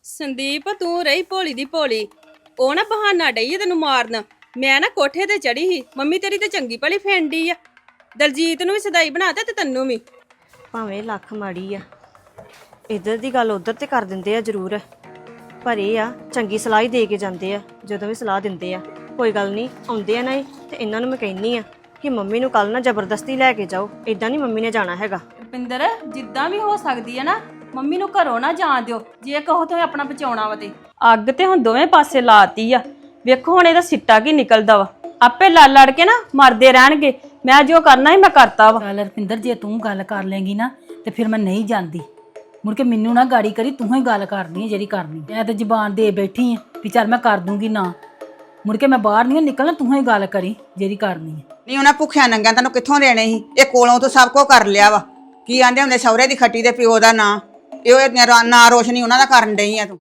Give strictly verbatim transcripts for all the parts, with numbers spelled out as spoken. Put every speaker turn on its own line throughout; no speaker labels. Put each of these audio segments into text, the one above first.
ਸੰਦੀਪ ਤੂੰ ਰਹੀ ਭੋਲੀ ਦੀ ਭੋਲੀ। ਉਹ ਨਾ ਬਹਾਨਾ ਡਈ ਆ ਤੈਨੂੰ ਮਾਰਨ। ਮੈਂ ਨਾ ਕੋਠੇ ਤੇ ਚੜੀ ਸੀ, ਮੰਮੀ ਤੇਰੀ ਤੇ ਚੰਗੀ ਭਲੀ ਫੈਂਡੀ ਆ। ਦਲਜੀਤ ਨੂੰ ਵੀ ਸਦਾਈ ਬਣਾਤਾ ਤੇ ਤੈਨੂੰ ਵੀ।
ਭਾਵੇਂ ਲੱਖ ਮਾੜੀ ਆ, ਇੱਧਰ ਦੀ ਗੱਲ ਉੱਧਰ ਤੇ ਕਰ ਦਿੰਦੇ ਆ ਜ਼ਰੂਰ, ਪਰ ਇਹ ਆ ਚੰਗੀ ਸਲਾਹ ਹੀ ਦੇ ਕੇ ਜਾਂਦੇ ਆ। ਜਦੋਂ ਵੀ ਸਲਾਹ ਦਿੰਦੇ ਆ ਕੋਈ ਗੱਲ ਨਹੀਂ ਆਉਂਦੇ ਆ ਨਾ ਇਹ, ਤੇ ਇਹਨਾਂ ਨੂੰ ਮੈਂ ਕਹਿੰਨੀ ਆ ਕਿ ਮੰਮੀ ਨੂੰ ਕੱਲ ਨਾ ਜ਼ਬਰਦਸਤੀ ਲੈ ਕੇ ਜਾਓ, ਇਦਾਂ ਨਹੀਂ ਮੰਮੀ ਨੇ ਜਾਣਾ ਹੈਗਾ।
ਰੁਪਿੰਦਰ ਜਿੱਦਾਂ ਵੀ ਹੋ ਸਕਦੀ ਹੈ ਨਾ ਮੰਮੀ ਨੂੰ ਘਰੋਂ ਨਾ ਜਾਣ ਦਿਓ, ਜੇ ਕਹੋ ਤੇ ਆਪਣਾ ਬਚਾਉਣਾ ਵਾ ਤੇ। ਅੱਗ ਤੇ ਹੁਣ ਦੋਵੇਂ ਪਾਸੇ ਲਾਤੀ ਆ, ਵੇਖੋ ਹੁਣ ਇਹਦਾ ਸਿੱਟਾ ਕੀ ਨਿਕਲਦਾ ਵਾ। ਆਪੇ ਲੜ ਲੜ ਕੇ ਨਾ ਮਰਦੇ ਰਹਿਣਗੇ। ਮੈਂ ਜੋ ਕਰਨਾ ਹੀ ਮੈਂ ਕਰਤਾ ਵਾ।
ਚੱਲ ਰਪਿੰਦਰ ਜੇ ਤੂੰ ਗੱਲ ਕਰ ਲੇਂਗੀ ਨਾ ਤੇ ਫਿਰ ਮੈਂ ਨਹੀਂ ਜਾਂਦੀ। ਮੁੜ ਕੇ ਮੈਨੂੰ ਨਾ ਗਾੜੀ ਕਰੀ, ਤੂੰ ਹੀ ਗੱਲ ਕਰਨੀ ਹੈ ਜਿਹੜੀ ਕਰਨੀ। ਮੈਂ ਤੇ ਜ਼ਬਾਨ ਦੇ ਬੈਠੀ ਆ ਵੀ ਚੱਲ ਮੈਂ ਕਰ ਦੂੰਗੀ ਨਾ, ਮੁੜ ਕੇ ਮੈਂ ਬਾਹਰ ਨਹੀਂ ਨਿਕਲਣਾ, ਤੂੰ ਹੀ ਗੱਲ ਕਰੀ ਜਿਹੜੀ ਕਰਨੀ ਹੈ।
ਨਹੀਂ ਉਹਨਾਂ ਭੁੱਖਿਆ ਨੰਗਿਆਂ ਤੈਨੂੰ ਕਿੱਥੋਂ ਦੇਣੇ ਸੀ? ਇਹ ਕੋਲੋਂ ਤੋਂ ਸਭ ਕੁਝ ਕਰ ਲਿਆ ਵਾ। ਕੀ ਆਂਦੇ ਹੁੰਦੇ ਸਹੁਰੇ ਦੀ ਖੱਟੀ ਦੇ ਪਿਓ ਦਾ ਨਾਂ, ਇਹ ਨਾਂ ਰੋਸ਼ਨੀ ਉਹਨਾਂ ਦਾ ਕਰਨ ਡਈ ਆ ਤੂੰ।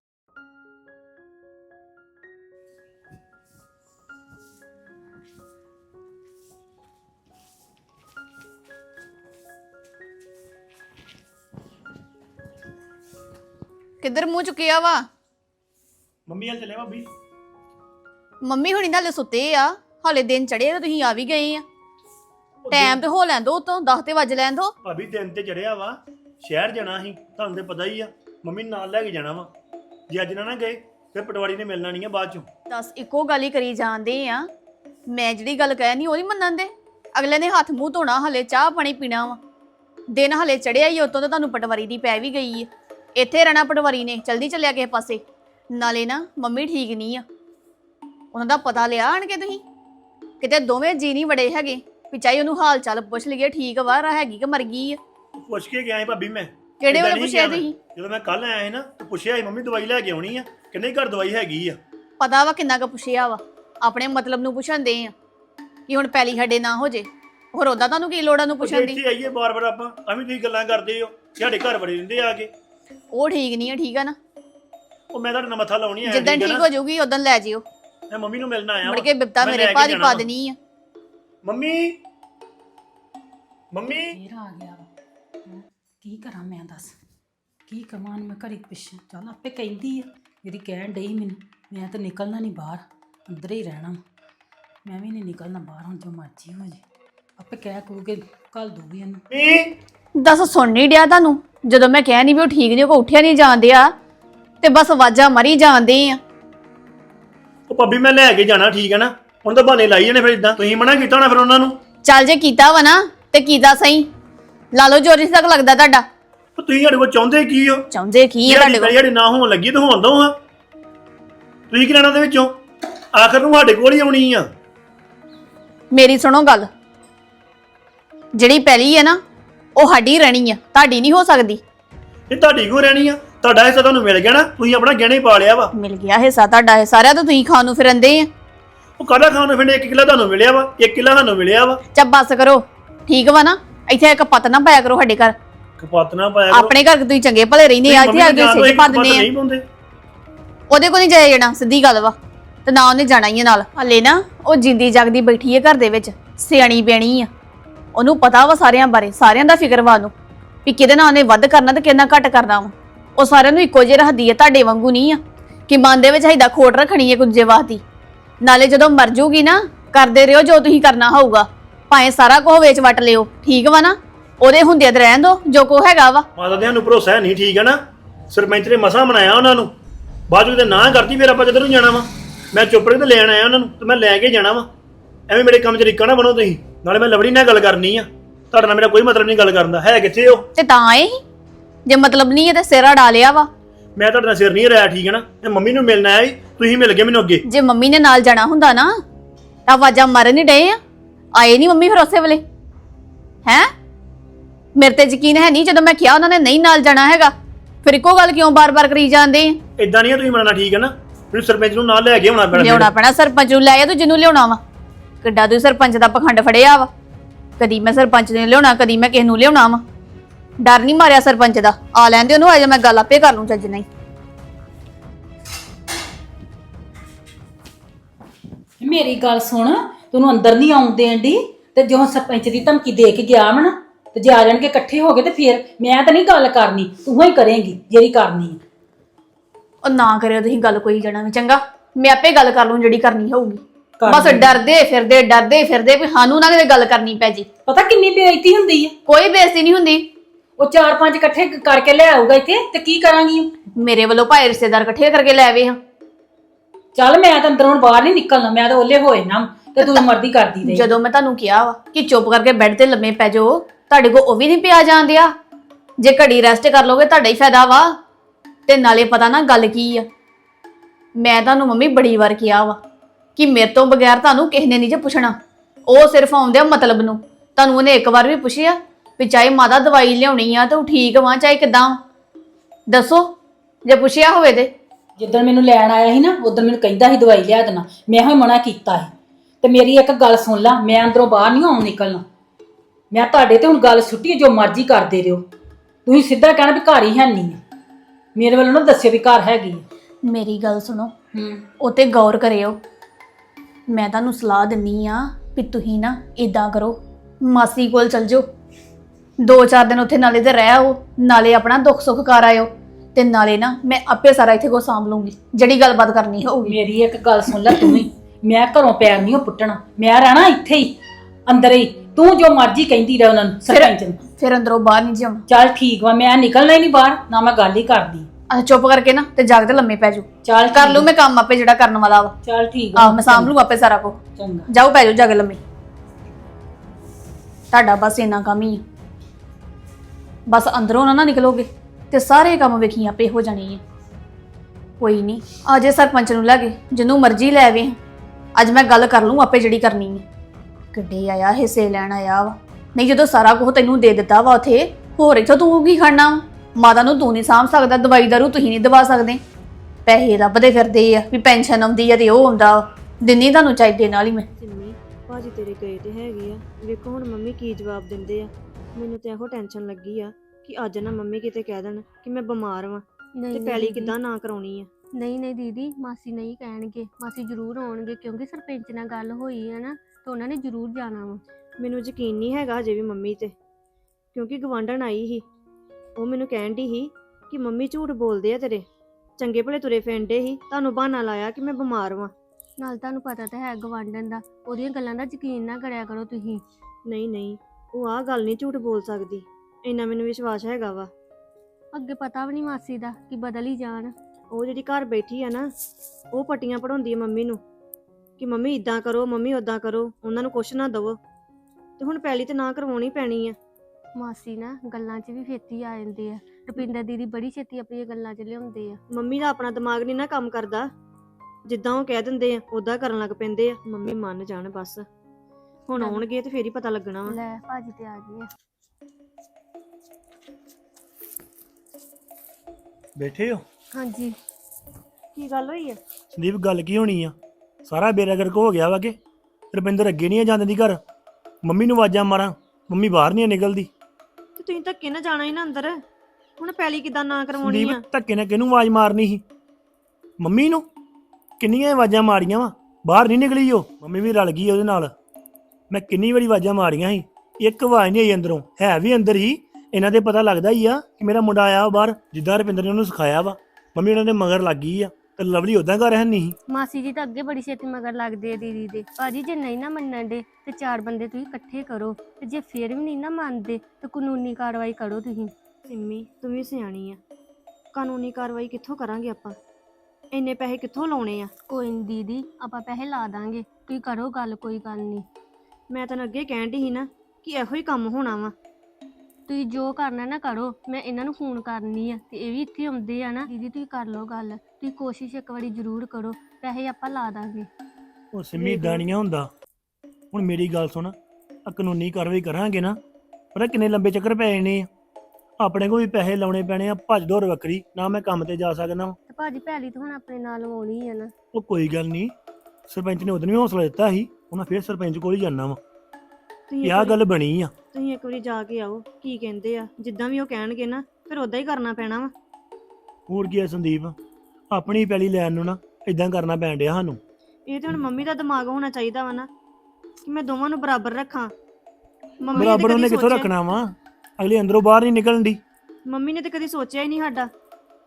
ਕਿੱਧਰ ਮੂੰਹ ਚੁੱਕਿਆ ਵਾ?
ਮੰਮੀ ਹਾਲ ਚੱਲੇ ਭਾਬੀ।
ਮੰਮੀ ਹੁਣੀ ਨਾਲੇ ਸੁੱਤੇ ਆ, ਹਾਲੇ ਦਿਨ ਚੜ੍ਹੇ ਤੇ ਤੁਸੀਂ ਆ ਵੀ ਗਏ ਆ। ਟਾਈਮ ਤੇ ਹੋ ਲੈਣ ਦੋ, ਉਤੋਂ ਦਸ ਤੇ ਵੱਜ ਲੈਣ ਦੋ।
ਭਾਬੀ ਦਿਨ ਤੇ ਚੜਿਆ ਵਾ, ਸ਼ਹਿਰ ਜਾਣਾ ਸੀ, ਤੁਹਾਨੂੰ ਤੇ ਪਤਾ ਹੀ ਆ। ਮੰਮੀ ਨਾਲ ਲੈ ਕੇ ਜਾਣਾ ਵਾ, ਜੇ ਅੱਜ ਨਾ ਨਾ ਗਏ ਫਿਰ ਪਟਵਾਰੀ ਨੇ ਮਿਲਣਾ ਨਹੀਂ ਆ ਬਾਅਦ ਚੋਂ।
ਦੱਸ ਇੱਕੋ ਗੱਲ ਹੀ ਕਰੀ ਜਾਂਦੇ ਆ। ਮੈਂ ਜਿਹੜੀ ਗੱਲ ਕਹਿਣੀ ਉਹ ਨਹੀਂ ਮੰਨਣ ਦੇ। ਅਗਲੇ ਨੇ ਹੱਥ ਮੂੰਹ ਧੋਣਾ, ਹਲੇ ਚਾਹ ਪਾਣੀ ਪੀਣਾ ਵਾ। ਦਿਨ ਹਲੇ ਚੜਿਆ ਹੀ, ਉਤੋਂ ਤਾਂ ਤੁਹਾਨੂੰ ਪਟਵਾਰੀ ਦੀ ਪੈ ਵੀ ਗਈ ਹੈ। ਇੱਥੇ ਰਹਿਣਾ ਪਟਵਾਰੀ ਨੇ, ਜਲਦੀ ਚੱਲਿਆ ਕਿਸੇ ਪਾਸੇ। ਨਾਲੇ ਨਾ ਮੰਮੀ ਠੀਕ ਨਹੀਂ ਆ, ਉਹਨਾਂ ਦਾ ਪਤਾ ਲਿਆ ਆਣ ਕੇ ਤੁਸੀਂ? ਕਿਤੇ ਦੋਵੇਂ ਜੀ ਨਹੀਂ ਵੜੇ ਹੈਗੇ ਵੀ ਚਾਹੇ ਉਹਨੂੰ ਹਾਲ ਚਾਲ ਪੁੱਛ ਲਈਏ, ਠੀਕ ਵਾ ਹੈਗੀ ਕਿ ਮਰ ਗਈ ਆ।
ਪੁੱਛ ਕੇ ਗਿਆ ਸੀ ਭਾਬੀ ਮੈਂ।
ਕਿਹੜੇ
ਏਦਾਂ
ਵੇਲੇ
ਨਹੀਂ
ਪੁੱਛਿਆ
ਗਿਆ ਮੈਂ।
ਤੁਸੀਂ?
ਜਦੋਂ ਮੈਂ ਕੱਲ ਆਇਆ ਸੀ ਨਾ ਤੇ ਪੁੱਛਿਆ ਸੀ ਮੰਮੀ ਦਵਾਈ ਲੈ ਕੇ ਆਉਣੀ ਆ, ਕਹਿੰਦੇ ਘਰ ਦਵਾਈ ਹੈਗੀ ਆ।
ਪਤਾ ਵਾ ਕਿੰਨਾ ਕੁ ਪੁੱਛਿਆ ਵਾ, ਆਪਣੇ ਮਤਲਬ ਨੂੰ ਪੁੱਛਣ ਦੇ ਆ ਕਿ ਹੁਣ ਪਹਿਲੀ ਸਾਡੇ ਨਾ ਹੋ ਜੇ। ਹੋਰ ਉਹਦਾ ਤੁਹਾਨੂੰ ਕੀ ਲੋੜਾਂ ਨੂੰ ਪੁੱਛਣ ਦੀ?
ਇੱਥੇ ਆਈਏ ਬਾਰ-ਬਾਰ ਆਪਾਂ, ਐਵੇਂ ਤੁਸੀਂ ਗੱਲਾਂ ਕਰਦੇ ਹੋ, ਸਾਡੇ ਘਰ ਬੜੇ ਰਹਿੰਦੇ ਆ ਕੇ।
ਉਹ ਠੀਕ ਨਹੀਂ ਆ, ਠੀਕ ਆ ਨਾ?
ਉਹ ਮੈਂ ਤੁਹਾਡੇ ਨਾਲ ਮੱਥਾ ਲਾਉਣੀ ਆਇਆ।
ਜਿੱਦਣ ਠੀਕ ਹੋ ਜਾਊਗੀ ਉਦੋਂ ਲੈ ਜਿਓ।
ਮੈਂ ਮੰਮੀ ਨੂੰ ਮਿਲਣ ਆਇਆ
ਮੁੜ ਕੇ ਬਿਪਤਾ ਮੇਰੇ ਭਾਰੀ ਪਾ ਦੇਣੀ ਆ।
ਮੰਮੀ ਮੰਮੀ
ਫੇਰ ਆ ਗਿਆ ਵਾ। ਹੈਂ, ਕੀ ਕਰਾਂ ਮੈਂ ਦੱਸ, ਕੀ ਕਰਾਂ ਮੈਂ ਘੜੀ ਪਿੱਛੇ। ਚੱਲ ਆਪੇ ਕਹਿੰਦੀ ਆ ਜਿਹੜੀ ਕਹਿਣ ਡਈ ਮੈਨੂੰ, ਮੈਂ ਤਾਂ ਨਿਕਲਣਾ ਨਹੀਂ ਬਾਹਰ, ਅੰਦਰ ਹੀ ਰਹਿਣਾ। ਮੈਂ ਵੀ ਨਹੀਂ ਨਿਕਲਣਾ ਬਾਹਰ, ਹੁਣ ਜੋ ਮਰਜ਼ੀ ਹੋ ਜੇ। ਆਪੇ ਕਹਿ ਕਹੂ ਕੇ ਕੱਲ ਦੂਗੀ ਇਹਨੂੰ।
ਮੰਮੀ
ਦੱਸ ਸੁਣ ਨਹੀਂ ਡਿਆ ਤੁਹਾਨੂੰ? ਜਦੋਂ ਮੈਂ ਕਹਿ ਨਹੀਂ ਵੀ ਉਹ ਠੀਕ ਨਹੀਂ, ਉਹ ਉੱਠਿਆ ਨਹੀਂ ਜਾਂਦੇ ਆ ਤੇ ਬਸ ਆਵਾਜ਼ਾਂ ਮਰੀ ਜਾਂਦੇ ਆ।
ਉਹ ਭਾਬੀ ਮੈਂ ਲੈ ਕੇ ਜਾਣਾ, ਠੀਕ ਹੈ ਨਾ? ਹੁਣ ਤਾਂ ਬਹਾਨੇ ਲਾਈ ਜਾਣੇ ਫਿਰ। ਇਦਾਂ ਤੁਸੀਂ ਮਨਾ ਕੀਤਾ ਹੋਣਾ ਫਿਰ ਉਹਨਾਂ ਨੂੰ।
ਚੱਲ ਜੇ ਕੀਤਾ ਵਾ ਨਾ ਤੇ ਕੀਤਾ ਸਹੀ, ਲਾ ਲਓ ਜੋਰੀ ਤੱਕ ਲੱਗਦਾ ਤੁਹਾਡਾ।
ਉਹ ਤੁਸੀਂ ਸਾਡੇ ਕੋਲ ਚਾਹੁੰਦੇ ਕੀ ਹੋ?
ਚਾਹੁੰਦੇ ਕੀ ਆ ਤੁਹਾਡੇ ਕੋਲ?
ਜਿਹੜੀ ਨਾ ਹੋਣ ਲੱਗੀ ਤਾਂ ਹੋਣ ਦੋ ਹਾਂ। ਤੁਸੀਂ ਕੀ ਲੈਣਾ ਦੇ ਵਿੱਚੋਂ? ਆਖਰ ਨੂੰ ਸਾਡੇ ਕੋਲ ਹੀ ਆਉਣੀ ਆ।
ਮੇਰੀ ਸੁਣੋ ਗੱਲ, ਜਿਹੜੀ ਪਹਿਲੀ ਹੈ ਨਾ ਉਹ ਸਾਡੀ ਰਹਿਣੀ ਆ, ਤੁਹਾਡੀ ਨਹੀਂ ਹੋ ਸਕਦੀ।
ਇਹ ਤੁਹਾਡੀ ਕੋ ਰਹਿਣੀ ਆ? ਤੁਹਾਡਾ ਹਿੱਸਾ ਤੁਹਾਨੂੰ ਮਿਲ ਗਿਆ ਨਾ, ਤੁਸੀਂ ਆਪਣਾ ਗਹਿਣੇ ਪਾ ਲਿਆ ਵਾ।
ਮਿਲ ਗਿਆ ਹਿੱਸਾ ਤੁਹਾਡਾ ਹੈ ਸਾਰਿਆਂ ਤੋਂ, ਤੁਸੀਂ ਖਾਣ ਨੂੰ ਫਿਰੰਦੇ ਆ।
ਉਹ ਕਾਹਦਾ ਖਾਣ ਨੂੰ ਫਿਰ? ਇੱਕ ਕਿੱਲਾ ਤੁਹਾਨੂੰ ਮਿਲਿਆ ਵਾ, ਇੱਕ ਕਿੱਲਾ ਸਾਨੂੰ ਮਿਲਿਆ ਵਾ।
ਚੱਲ ਬੱਸ ਕਰੋ, ਠੀਕ ਵਾ ਨਾ? ਇੱਥੇ ਇੱਕ ਪੱਤ ਨਾ ਪਾਇਆ ਕਰੋ ਸਾਡੇ ਘਰ।
ਕਪੱਤ ਨਾ ਪਾਇਆ ਕਰੋ।
ਆਪਣੇ ਘਰ ਤੁਸੀਂ ਚੰਗੇ ਭਲੇ ਰਹਿੰਦੇ ਆ, ਇੱਥੇ ਆ ਕੇ ਸਿੱਖ ਪਾ ਦਿੰਦੇ ਆ।
ਨਹੀਂ ਪਾਉਂਦੇ
ਉਹਦੇ ਕੋਲ ਨਹੀਂ ਜਾਇਆ ਜਾਣਾ, ਸਿੱਧੀ ਗੱਲ ਵਾ। ਤੇ ਨਾ ਉਹਨੇ ਜਾਣਾ ਹੀ ਆ ਨਾਲ। ਹਲੇ ਨਾ ਉਹ ਜਿੰਦੀ ਜਾਗਦੀ ਬੈਠੀ ਹੈ ਘਰ ਦੇ ਵਿੱਚ, ਸਿਆਣੀ ਬਿਆਣੀ ਆ। ਉਹਨੂੰ ਪਤਾ ਵਾ ਸਾਰਿਆਂ ਬਾਰੇ, ਸਾਰਿਆਂ ਦਾ ਫਿਕਰ ਵਾ ਉਹਨੂੰ ਵੀ ਕਿਹਦੇ ਨਾਲ ਉਹਨੇ ਵੱਧ ਕਰਨਾ ਤੇ ਕਿਹਦੇ ਨਾਲ ਘੱਟ ਕਰਨਾ ਵਾ। ਉਹ ਸਾਰਿਆਂ ਨੂੰ ਇੱਕੋ ਜਿਹੇ ਰੱਖਦੀ ਹੈ, ਤੁਹਾਡੇ ਵਾਂਗੂ ਨਹੀਂ ਆ ਕਿ ਮਨ ਦੇ ਵਿੱਚ ਏਦਾਂ ਖੋਟ ਰੱਖਣੀ ਹੈ ਕੁਝ ਵਾਸਤੇ। ਨਾਲੇ ਜਦੋਂ ਮਰ ਜੂਗੀ ਨਾ, ਕਰਦੇ ਰਿਓ ਜੋ ਤੁਸੀਂ ਕਰਨਾ ਹੋਊਗਾ, ਭਾਵੇਂ ਸਾਰਾ ਕੁਝ ਵੇਚ ਵਟ ਲਿਓ, ਠੀਕ ਵਾ ਨਾ? ਉਹਦੇ ਹੁੰਦੇ ਤੇ ਰਹਿਣ ਦੋ ਜੋ ਕੋ ਹੈਗਾ ਵਾ।
ਮਾਤਾ ਦੇ ਨੂੰ ਭਰੋਸਾ ਨਹੀਂ, ਠੀਕ ਹੈ ਨਾ? ਸਰਪੰਚ ਨੇ ਮਸਾਂ ਬਣਾਇਆ ਉਹਨਾਂ ਨੂੰ, ਬਾਅਦ ਵਿੱਚ ਨਾ ਕਰਦੀ ਫਿਰ ਆਪਾਂ ਕਿੱਧਰ ਨੂੰ ਜਾਣਾ ਵਾ? ਮੈਂ ਚੁੱਪ ਕਰਕੇ ਲੈਣ ਆਇਆ ਉਹਨਾਂ ਨੂੰ ਤੇ ਮੈਂ ਲੈ ਕੇ ਜਾਣਾ ਵਾ। ਐਵੇਂ ਮੇਰੇ ਕੰਮ 'ਚ ਰਿਕਾ ਨਾ ਬਣੋ ਤੁਸੀਂ। ਨਾਲੇ ਮੈਂ ਲਵੜੀ ਨਾਲ ਗੱਲ ਕਰਨੀ ਆ, ਤੁਹਾਡੇ ਨਾਲ ਮੇਰਾ ਕੋਈ ਮਤਲਬ ਨਹੀਂ ਗੱਲ ਕਰਨ ਦਾ। ਹੈ ਕਿੱਥੇ ਉਹ?
ਤੇ ਤਾਂ ਆਏ ਸੀ, ਜੇ ਮਤਲਬ ਨਹੀਂ ਹੈ ਤੇ ਸਿਰ ਅੜਾ ਲਿਆ ਵਾ।
ਮੈਂ ਤੁਹਾਡੇ ਨਾਲ ਸਿਰ ਨਹੀਂ ਰਾਇਆ, ਠੀਕ ਹੈ ਨਾ? ਮੈਂ ਮੰਮੀ ਨੂੰ ਮਿਲਣ ਆਇਆ ਸੀ, ਤੁਸੀਂ ਮਿਲ ਗਏ ਮੈਨੂੰ ਅੱਗੇ।
ਜੇ ਮੰਮੀ ਨੇ ਨਾਲ ਜਾਣਾ ਹੁੰਦਾ ਨਾ ਤਾਂ ਆਵਾਜ਼ਾਂ ਮਾਰਨ ਹੀ ਡਏ ਆ। ਆਏ ਨਹੀਂ ਮੰਮੀ ਫਿਰ ਉਸੇ ਵੇਲੇ? ਹੈਂ, ਮੇਰੇ ਤੇ ਯਕੀਨ ਹੈ ਨਹੀਂ ਜਦੋਂ ਮੈਂ ਕਿਹਾ ਉਹਨਾਂ ਨੇ ਨਹੀਂ ਨਾਲ ਜਾਣਾ ਹੈਗਾ, ਫਿਰ ਇੱਕੋ ਗੱਲ ਕਿਉਂ ਬਾਰ-ਬਾਰ ਕਰੀ ਜਾਂਦੇ ਆ?
ਇਦਾਂ ਨਹੀਂ ਤੁਸੀਂ ਮੰਨਣਾ, ਠੀਕ ਹੈ ਨਾ? ਮੈਨੂੰ ਸਰਪੰਚ ਨੂੰ ਨਾਲ ਲੈ ਕੇ ਆਉਣਾ ਪੈਣਾ।
ਲਿਆਉਣਾ ਪੈਣਾ ਸਰਪੰਚ ਨੂੰ, ਲੈ ਆ ਤੂੰ ਜਿਹਨੂੰ ਲਿਆਉਣਾ ਵਾ। ਕਿੱਡਾ ਤੂੰ ਸਰਪੰਚ ਦਾ ਪਖੰਡ ਫੜਿਆ ਵਾ। ਕਦੀ ਮੈਂ ਸਰਪੰਚ ਨੇ ਲਿਆਉਣਾ, ਕਦੀ ਮੈਂ ਕਿਸੇ ਨੂੰ ਲਿਆਉਣਾ ਵਾ। ਡਰ ਨਹੀਂ ਮਾਰਿਆ ਸਰਪੰਚ ਦਾ। ਆ ਲੈਂਦੇ ਉਹਨੂੰ, ਅਜੇ ਮੈਂ ਗੱਲ ਆਪੇ ਕਰ ਲੂੰ ਚੱਜ ਨਹੀਂ।
ਮੇਰੀ ਗੱਲ ਸੁਣ, ਤੈਨੂੰ ਅੰਦਰ ਨਹੀਂ ਆਉਣ ਦੇਣ ਦੀ, ਤੇ ਜੋ ਸਰਪੰਚ ਦੀ ਧਮਕੀ ਦੇ ਕੇ ਗਿਆ ਵਾ ਨਾ, ਤੇ ਜੇ ਆ ਜਾਣਗੇ ਇਕੱਠੇ ਹੋ ਗਏ ਤੇ ਫਿਰ ਮੈਂ ਤਾਂ ਨਹੀਂ ਗੱਲ ਕਰਨੀ, ਤੂੰ ਹੀ ਕਰੇਂਗੀ ਜਿਹੜੀ ਕਰਨੀ ਹੈ।
ਉਹ ਨਾ ਕਰਿਓ ਤੁਸੀਂ ਗੱਲ ਕੋਈ ਜਣਾ ਵੀ ਚੰਗਾ। ਮੈਂ ਆਪੇ ਗੱਲ ਕਰ ਲੂੰ ਜਿਹੜੀ ਕਰਨੀ ਹੋਊਗੀ।
ਕਰ
ਬਸ
ਲੂੰਗੀ।
ਡਰਦੇ ਫਿਰਦੇ ਡਰਦੇ ਫਿਰਦੇ ਵੀ ਸਾਨੂੰ ਨਾ ਕਿਤੇ ਗੱਲ ਕਰਨੀ ਪੈ ਜੀ।
ਪਤਾ ਕਿੰਨੀ ਬੇਇੱਜ਼ਤੀ ਹੁੰਦੀ ਹੈ।
ਕੋਈ ਬੇਇੱਜ਼ਤੀ ਨਹੀਂ ਹੁੰਦੀ।
ਉਹ ਚਾਰ ਪੰਜ ਇਕੱਠੇ ਕਰਕੇ ਲੈ ਆਊਗਾ ਇੱਥੇ ਤੇ ਕੀ ਕਰਾਂਗੀ?
ਮੇਰੇ ਵੱਲੋਂ ਭਾਈ ਰਿਸ਼ਤੇਦਾਰ ਇਕੱਠੇ ਕਰਕੇ ਲੈ ਆਵੇ ਹਾਂ।
ਚੱਲ ਮੈਂ ਤਾਂ ਅੰਦਰੋਂ ਹੁਣ ਬਾਹਰ ਨਹੀਂ ਨਿਕਲਣਾ, ਮੈਂ ਤਾਂ ਓਲੇ ਹੋਏ ਨਾ ਤੇ ਤੂੰ ਮਰਦੀ ਕਰਦੀ ਰਹੀ।
ਜਦੋਂ ਮੈਂ ਤੁਹਾਨੂੰ ਕਿਹਾ ਵਾ ਕਿ ਚੁੱਪ ਕਰਕੇ ਬੈੱਡ ਤੇ ਲੰਮੇ ਪੈ ਜਾਓ, ਤੁਹਾਡੇ ਕੋਲ ਉਹ ਵੀ ਨਹੀਂ ਪਿਆ ਜਾਂਦਿਆ। ਜੇ ਘੜੀ ਰੈਸਟ ਕਰ ਲੋਗੇ ਤੁਹਾਡਾ ਹੀ ਫਾਇਦਾ ਵਾ। ਤੇ ਨਾਲੇ ਪਤਾ ਨਾ ਗੱਲ ਕੀ ਆ, ਮੈਂ ਤੁਹਾਨੂੰ ਮੰਮੀ ਬੜੀ ਵਾਰ ਕਿਹਾ ਵਾ ਕਿ ਮੇਰੇ ਤੋਂ ਬਗੈਰ ਤੁਹਾਨੂੰ ਕਿਸੇ ਨੇ ਨਹੀਂ ਜੇ ਪੁੱਛਣਾ। ਉਹ ਸਿਰਫ ਆਉਂਦੇ ਆ ਮਤਲਬ ਨੂੰ। ਤੁਹਾਨੂੰ ਉਹਨੇ ਇੱਕ ਵਾਰ ਵੀ ਪੁੱਛਿਆ ਵੀ ਚਾਹੇ ਮਾਤਾ ਦਵਾਈ ਲਿਆਉਣੀ ਆ ਤੂੰ ਠੀਕ ਵਾਂ ਚਾਹੇ ਕਿਦਾਂ, ਦੱਸੋ ਜੇ ਪੁੱਛਿਆ ਹੋਵੇ ਤੇ।
ਜਿੱਦਣ ਮੈਨੂੰ ਲੈਣ ਆਇਆ ਸੀ ਨਾ ਉਦੋਂ ਮੈਨੂੰ ਕਹਿੰਦਾ ਸੀ ਦਵਾਈ ਲਿਆ ਦੇਣਾ, ਮੈਂ ਹੀ ਮਨਾ ਕੀਤਾ ਸੀ। ਤੇ ਮੇਰੀ ਇੱਕ ਗੱਲ ਸੁਣ ਲਾ, ਮੈਂ ਅੰਦਰੋਂ ਬਾਹਰ ਨਹੀਂ ਆਉਣ ਨਿਕਲਣਾ। ਮੈਂ ਤੁਹਾਡੇ ਤੇ ਹੁਣ ਗੱਲ ਸੁੱਟੀ, ਜੋ ਮਰਜ਼ੀ ਕਰਦੇ ਰਹੋ। ਤੁਸੀਂ ਸਿੱਧਾ ਕਹਿਣਾ ਵੀ ਘਰ ਹੀ ਹੈ ਨਹੀਂ ਆ, ਮੇਰੇ ਵੱਲੋਂ ਨਾ ਦੱਸਿਓ ਵੀ ਘਰ ਹੈਗੀ ਆ।
ਮੇਰੀ ਗੱਲ ਸੁਣੋ,
ਹੂੰ
ਉਹ ਤੇ ਗੌਰ ਕਰਿਓ। ਮੈਂ ਤੁਹਾਨੂੰ ਸਲਾਹ ਦਿੰਨੀ ਆ ਵੀ ਤੁਸੀਂ ਨਾ ਇਦਾਂ ਕਰੋ, ਮਾਸੀ ਕੋਲ ਚਲ ਜਾਓ। ਦੋ ਚਾਰ ਦਿਨ ਉੱਥੇ ਨਾਲੇ ਤੇ ਰਹਿ ਆਓ, ਨਾਲੇ ਆਪਣਾ ਦੁੱਖ ਸੁੱਖ ਕਰ ਆਇਓ। ਤੇ ਨਾਲੇ ਨਾ ਮੈਂ ਆਪੇ ਸਾਰਾ ਇੱਥੇ ਕੋ ਸਾਂਭ ਲੂੰਗੀ, ਜਿਹੜੀ ਗੱਲਬਾਤ ਕਰਨੀ ਹੋਊਗੀ।
ਮੇਰੀ ਇੱਕ ਗੱਲ ਸੁਣ ਲੈ ਤੂੰ ਵੀ, ਮੈਂ ਘਰੋਂ ਪੈਰ ਨਹੀਂ ਪੁੱਟਣਾ, ਮੈਂ ਰਹਿਣਾ ਇੱਥੇ ਹੀ ਅੰਦਰ ਹੀ। ਤੂੰ ਜੋ ਮਰਜ਼ੀ ਕਹਿੰਦੀ ਰਹਿ ਉਹਨਾਂ ਨੂੰ, ਸਰਪੰਚ ਨੂੰ।
ਫਿਰ ਅੰਦਰੋਂ ਬਾਹਰ ਨਹੀਂ ਜਾਣਾ।
ਚੱਲ ਠੀਕ ਵਾ, ਮੈਂ ਨਿਕਲਣਾ ਹੀ ਨਹੀਂ ਬਾਹਰ, ਨਾ ਮੈਂ ਗੱਲ ਹੀ ਕਰਦੀ।
ਅੱਛਾ ਚੁੱਪ ਕਰਕੇ ਨਾ ਤੇ ਜਾਗ ਤੇ ਲੰਮੇ ਪੈ ਜਾਓ।
ਚੱਲ
ਕਰ ਲੂ ਮੈਂ ਕੰਮ ਆਪੇ ਜਿਹੜਾ ਕਰਨ ਵਾਲਾ ਵਾ।
ਚੱਲ ਠੀਕ ਆ,
ਆਹ ਮੈਂ ਸਾਂਭ ਲੂ ਆਪੇ ਸਾਰਾ ਕੁਝ।
ਚੰਗਾ।
ਜਾਓ ਪੈ ਜਾਓ ਜਾ ਕੇ ਲੰਮੇ। ਤੁਹਾਡਾ ਬਸ ਇੰਨਾ ਕੰਮ ਹੀ ਆ, ਬਸ ਅੰਦਰੋਂ ਨਾ ਨਾ ਨਿਕਲੋਗੇ ਤੇ ਸਾਰੇ ਕੰਮ ਵੇਖੀ ਆਪੇ ਹੋ ਜਾਣੇ ਆ। ਕੋਈ ਨਹੀਂ, ਆਜੇ ਸਰਪੰਚ ਨੂੰ ਲੈ ਕੇ ਜਿਹਨੂੰ ਮਰਜ਼ੀ ਲੈ ਆਵੇ। ਅੱਜ ਮੈਂ ਗੱਲ ਕਰ ਲੂੰ ਆਪੇ ਜਿਹੜੀ ਕਰਨੀ ਹੈ। ਕਿੱਡੇ ਆਇਆ ਹਿੱਸੇ ਲੈਣ ਆਇਆ ਵਾ, ਨਹੀਂ ਜਦੋਂ ਸਾਰਾ ਕੁਝ ਤੈਨੂੰ ਦੇ ਦਿੱਤਾ ਵਾ ਉੱਥੇ, ਹੋਰ ਇੱਥੋਂ ਤੂੰ ਕੀ ਖਾਣਾ? ਮਾਤਾ ਨੂੰ ਤੂੰ ਨਹੀਂ ਸਾਂਭ ਸਕਦਾ, ਦਵਾਈ ਦਾਰੂ ਤੁਸੀਂ ਨਹੀਂ ਦਵਾ ਸਕਦੇ। ਪੈਸੇ ਲੱਭਦੇ ਫਿਰਦੇ ਆ ਵੀ ਪੈਨਸ਼ਨ ਆਉਂਦੀ ਆ ਤੇ ਉਹ ਆਉਂਦਾ, ਦਿੰਨੀ ਤੁਹਾਨੂੰ ਚਾਹੀਦੇ ਨਾਲ ਹੀ ਮੈਂ।
ਸਿੰਮੀ ਭਾਜੀ ਤੇਰੇ ਗਏ ਤੇ ਹੈਗੇ ਆ, ਵੇਖੋ ਹੁਣ ਮੰਮੀ ਕੀ ਜਵਾਬ ਦਿੰਦੇ ਆ। ਮੈਨੂੰ ਤੇ ਇਹੋ ਟੈਨਸ਼ਨ ਲੱਗੀ ਆ ਕਿ ਅੱਜ ਨਾ ਮੰਮੀ ਕਿਤੇ ਕਹਿ ਦੇਣ ਕਿ ਮੈਂ ਬਿਮਾਰ ਵਾਂ ਤੇ ਪੈਲੀ ਕਿੱਦਾਂ ਨਾ ਕਰਾਉਣੀ ਆ।
ਨਹੀਂ ਨਹੀਂ ਦੀਦੀ, ਮਾਸੀ ਨਹੀਂ ਕਹਿਣਗੇ, ਮਾਸੀ ਜ਼ਰੂਰ ਆਉਣਗੇ ਕਿਉਂਕਿ ਸਰਪੰਚ ਨਾਲ ਗੱਲ ਹੋਈ ਹੈ ਨਾ ਤਾਂ ਉਹਨਾਂ ਨੇ ਜ਼ਰੂਰ ਜਾਣਾ ਵਾ।
ਮੈਨੂੰ ਯਕੀਨ ਨਹੀਂ ਹੈਗਾ ਹਜੇ ਵੀ ਮੰਮੀ ਤੇ, ਕਿਉਂਕਿ ਗਵਾਂਢਣ ਆਈ ਸੀ, ਉਹ ਮੈਨੂੰ ਕਹਿਣ ਦੀ ਸੀ ਕਿ ਮੰਮੀ ਝੂਠ ਬੋਲਦੇ ਆ ਤੇਰੇ, ਚੰਗੇ ਭਲੇ ਤੁਰੇ ਫਿਰਦੇ ਸੀ, ਤੁਹਾਨੂੰ ਬਹਾਨਾ ਲਾਇਆ ਕਿ ਮੈਂ ਬਿਮਾਰ ਵਾਂ।
ਨਾਲ ਤੁਹਾਨੂੰ ਪਤਾ ਤਾਂ ਹੈ ਗਵਾਂਢਣ ਦਾ, ਉਹਦੀਆਂ ਗੱਲਾਂ ਦਾ ਯਕੀਨ ਨਾ ਕਰਿਆ ਕਰੋ ਤੁਸੀਂ।
ਨਹੀਂ ਨਹੀਂ, ਉਹ ਆਹ ਗੱਲ ਨਹੀਂ ਝੂਠ ਬੋਲ ਸਕਦੀ, ਇੰਨਾ ਮੈਨੂੰ ਵਿਸ਼ਵਾਸ ਹੈਗਾ ਵਾ।
ਅੱਗੇ ਪਤਾ ਵੀ ਨਹੀਂ ਮਾਸੀ ਦਾ ਕਿ ਬਦਲ ਹੀ ਜਾਣ।
ਉਹ ਜਿਹੜੀ ਘਰ ਬੈਠੀ ਆ ਨਾ, ਉਹ ਪੱਟੀਆਂ ਪੜਾਉਂਦੀ ਆ ਮੰਮੀ ਨੂੰ ਕਿ ਮੰਮੀ ਇਦਾਂ ਕਰੋ, ਮੰਮੀ ਉਦਾਂ ਕਰੋ, ਉਹਨਾਂ ਨੂੰ ਕੁਛ ਨਾ ਦਵੋ। ਤੇ ਹੁਣ ਪੈਲੀ ਤੇ ਨਾ ਕਰਵਾਉਣੀ ਪੈਣੀ ਆ।
ਮਾਸੀ ਨਾ ਗੱਲਾਂ 'ਚ ਵੀ ਛੇਤੀ ਆ ਜਾਂਦੇ ਆ, ਰੁਪਿੰਦਰ ਦੀਦੀ ਬੜੀ ਛੇਤੀ ਆਪਣੀਆਂ ਗੱਲਾਂ 'ਚ ਲਿਆਉਂਦੇ ਆ।
ਮੰਮੀ ਦਾ ਆਪਣਾ ਦਿਮਾਗ ਨਹੀਂ ਨਾ ਕੰਮ ਕਰਦਾ, ਜਿੱਦਾਂ ਉਹ ਕਹਿ ਦਿੰਦੇ ਆ ਉਦਾਂ ਕਰਨ ਲੱਗ ਪੈਂਦੇ ਆ। ਮੰਮੀ ਮੰਨ ਜਾਣ ਬਸ, ਹੁਣ ਆਉਣਗੇ ਤੇ ਫੇਰ ਹੀ ਪਤਾ ਲੱਗਣਾ ਵਾ।
ਲੈ ਭਾਜੀ ਤੇ ਆ ਗਏ ਆ।
ਬੈਠੇ ਹੋ?
ਹਾਂਜੀ।
ਕੀ ਗੱਲ ਹੋਈ ਆ?
ਸੰਦੀਪ ਗੱਲ ਕੀ ਹੋਣੀ ਆ? ਸਾਰਾ ਬੇੜਾ ਗਰਕ ਹੋ ਗਿਆ ਵਾ ਕਿ ਰੁਪਿੰਦਰ ਅੱਗੇ ਨਹੀਂ ਜਾਂਦੀ ਦੀ ਘਰ। ਮੰਮੀ ਨੂੰ ਆਵਾਜ਼ਾਂ ਮਾਰਾਂ, ਮੰਮੀ ਬਾਹਰ ਨਹੀਂ ਨਿਕਲਦੀ।
ਤੇ ਤੁਸੀਂ ਧੱਕੇ ਨਾ ਜਾਣਾ ਹੀ ਨਾ ਅੰਦਰ, ਹੁਣ ਪੈਲੀ ਕਿਦਾਂ ਨਾ ਕਰਵਾਉਣੀ ਆ?
ਸੰਦੀਪ ਧੱਕੇ ਨਾਲ ਕਿਹਨੂੰ ਆਵਾਜ਼ ਮਾਰਨੀ ਸੀ? ਮੰਮੀ ਨੂੰ ਕਿੰਨੀਆਂ ਆਵਾਜ਼ਾਂ ਮਾਰੀਆਂ ਵਾ, ਬਾਹਰ ਨਹੀਂ ਨਿਕਲੀ ਉਹ। ਮੰਮੀ ਵੀ ਰਲ ਗਈ ਉਹਦੇ ਨਾਲ। ਮੈਂ ਕਿੰਨੀ ਵਾਰੀ ਆਵਾਜ਼ਾਂ ਮਾਰੀਆਂ ਸੀ, ਇੱਕ ਆਵਾਜ਼ ਨਹੀਂ ਆਈ ਅੰਦਰੋਂ। ਹੈ ਵੀ ਅੰਦਰ ਹੀ, ਇਹਨਾਂ ਦੇ ਪਤਾ ਲੱਗਦਾ ਹੀ ਆ ਕਿ ਮੇਰਾ ਮੁੰਡਾ ਆਇਆ ਬਾਹਰ, ਜਿੱਦਾਂ ਰੁਪਿੰਦਰ ਨੇ ਉਹਨੂੰ ਸਿਖਾਇਆ ਵਾ। ਮੰਮੀ ਉਹਨਾਂ ਦੇ ਮਗਰ ਲੱਗ ਗਈ ਆ ਤੇ ਲਵਲੀ ਉਦਾਂ ਘਰ ਹੈ ਨਹੀਂ।
ਮਾਸੀ ਜੀ ਤਾਂ ਅੱਗੇ ਬੜੀ ਛੇਤੀ ਮਗਰ ਲੱਗਦੇ ਆ ਦੀਦੀ ਦੇ। ਭਾਜੀ ਜੇ ਨਹੀਂ ਨਾ ਮੰਨਣ ਦੇ ਤੇ ਚਾਰ ਬੰਦੇ ਤੁਸੀਂ ਇਕੱਠੇ ਕਰੋ, ਤੇ ਜੇ ਫੇਰ ਵੀ ਨਹੀਂ ਨਾ ਮੰਨਦੇ ਤਾਂ ਕਾਨੂੰਨੀ ਕਾਰਵਾਈ ਕਰੋ ਤੁਸੀਂ।
ਸਿੰਮੀ ਤੂੰ ਵੀ ਸਿਆਣੀ ਆ, ਕਾਨੂੰਨੀ ਕਾਰਵਾਈ ਕਿੱਥੋਂ ਕਰਾਂਗੇ ਆਪਾਂ? ਇੰਨੇ ਪੈਸੇ ਕਿੱਥੋਂ ਲਾਉਣੇ ਆ?
ਕੋਈ ਨਹੀਂ ਦੀਦੀ, ਆਪਾਂ ਪੈਸੇ ਲਾ ਦਾਂਗੇ, ਤੁਸੀਂ ਕਰੋ ਗੱਲ, ਕੋਈ ਗੱਲ ਨਹੀਂ।
ਮੈਂ ਤੈਨੂੰ ਅੱਗੇ ਕਹਿਣ ਦੀ ਸੀ ਨਾ ਕਿ ਇਹੋ ਹੀ ਕੰਮ ਹੋਣਾ ਵਾ।
ਤੁਸੀਂ ਜੋ ਕਰਨਾ ਨਾ ਕਰੋ, ਮੈਂ ਇਹਨਾਂ ਨੂੰ ਫੋਨ ਕਰਨੀ ਆ ਤੇ ਇਹ ਵੀ ਇੱਥੇ ਆਉਂਦੇ ਆ ਨਾ। ਦੀਦੀ ਤੁਸੀਂ ਕਰ ਲਓ ਗੱਲ, ਤੁਸੀਂ ਕੋਸ਼ਿਸ਼ ਇੱਕ ਵਾਰੀ ਜ਼ਰੂਰ ਕਰੋ, ਪੈਸੇ ਆਪਾਂ ਲਾ ਦਾਂਗੇ।
ਉਹ ਸਿੰਮੀ ਦਾਣੀਆਂ ਹੁੰਦਾ। ਹੁਣ ਮੇਰੀ ਗੱਲ ਸੁਣ, ਆ ਕਾਨੂੰਨੀ ਕਾਰਵਾਈ ਕਰਾਂਗੇ ਨਾ, ਪਤਾ ਕਿੰਨੇ ਲੰਬੇ ਚੱਕਰ ਪੈ ਜਾਣੇ ਆ। ਆਪਣੇ ਕੋਲ ਵੀ ਪੈਸੇ ਲਾਉਣੇ ਪੈਣੇ ਆ, ਭੱਜ ਦੌੜ ਵੱਖਰੀ, ਨਾ ਮੈਂ ਕੰਮ ਤੇ ਜਾ ਸਕਦਾ ਵਾਂ।
ਤੇ ਭਾਜੀ ਪੈਲੀ ਤਾਂ ਹੁਣ ਆਪਣੇ ਨਾਲ ਆਉਣੀ ਆ ਨਾ।
ਉਹ ਕੋਈ ਗੱਲ ਨਹੀਂ, ਸਰਪੰਚ ਨੇ ਉਦੋਂ ਵੀ ਹੌਸਲਾ ਦਿੱਤਾ ਸੀ, ਉਹਨਾਂ ਫੇਰ ਸਰਪੰਚ ਕੋਲ ਹੀ ਜਾਣਾ ਵਾ।
ਤੁਸੀਂ
ਇਹ ਆਹ ਗੱਲ ਬਣੀ ਆ।
ਤੁਸੀਂ ਇੱਕ ਵਾਰੀ ਜਾ ਕੇ ਆਓ, ਕੀ ਕਹਿੰਦੇ ਆ, ਜਿੱਦਾਂ ਵੀ ਉਹ ਕਹਿਣਗੇ ਨਾ ਫਿਰ ਉਦਾਂ ਹੀ ਕਰਨਾ ਪੈਣਾ ਵਾ।
ਹੋਰ ਕੀ ਆ ਸੰਦੀਪ, ਆਪਣੀ ਪੈਲੀ ਲੈਣ ਨੂੰ ਨਾ ਇਦਾਂ ਕਰਨਾ ਪੈਣ ਡਿਆ ਸਾਨੂੰ।
ਇਹ ਤੇ ਹੁਣ ਮੰਮੀ ਦਾ ਦਿਮਾਗ ਹੋਣਾ ਚਾਹੀਦਾ ਵਾ ਨਾ ਕਿ ਮੈਂ ਦੋਵਾਂ ਨੂੰ ਬਰਾਬਰ ਰੱਖਾਂ। ਮੰਮੀ ਨੇ
ਬਰਾਬਰ
ਤਾਂ
ਉਹਨੇ
ਕਦੀ
ਕਿੱਥੋਂ
ਸੋਚਿਆ
ਰੱਖਣਾ ਵਾ, ਅਗਲੀ ਅੰਦਰੋਂ ਬਾਹਰ ਨਹੀਂ ਨਿਕਲਣ ਦੀ।
ਮੰਮੀ ਨੇ ਤੇ ਕਦੀ ਸੋਚਿਆ ਹੀ ਨਹੀਂ ਸਾਡਾ।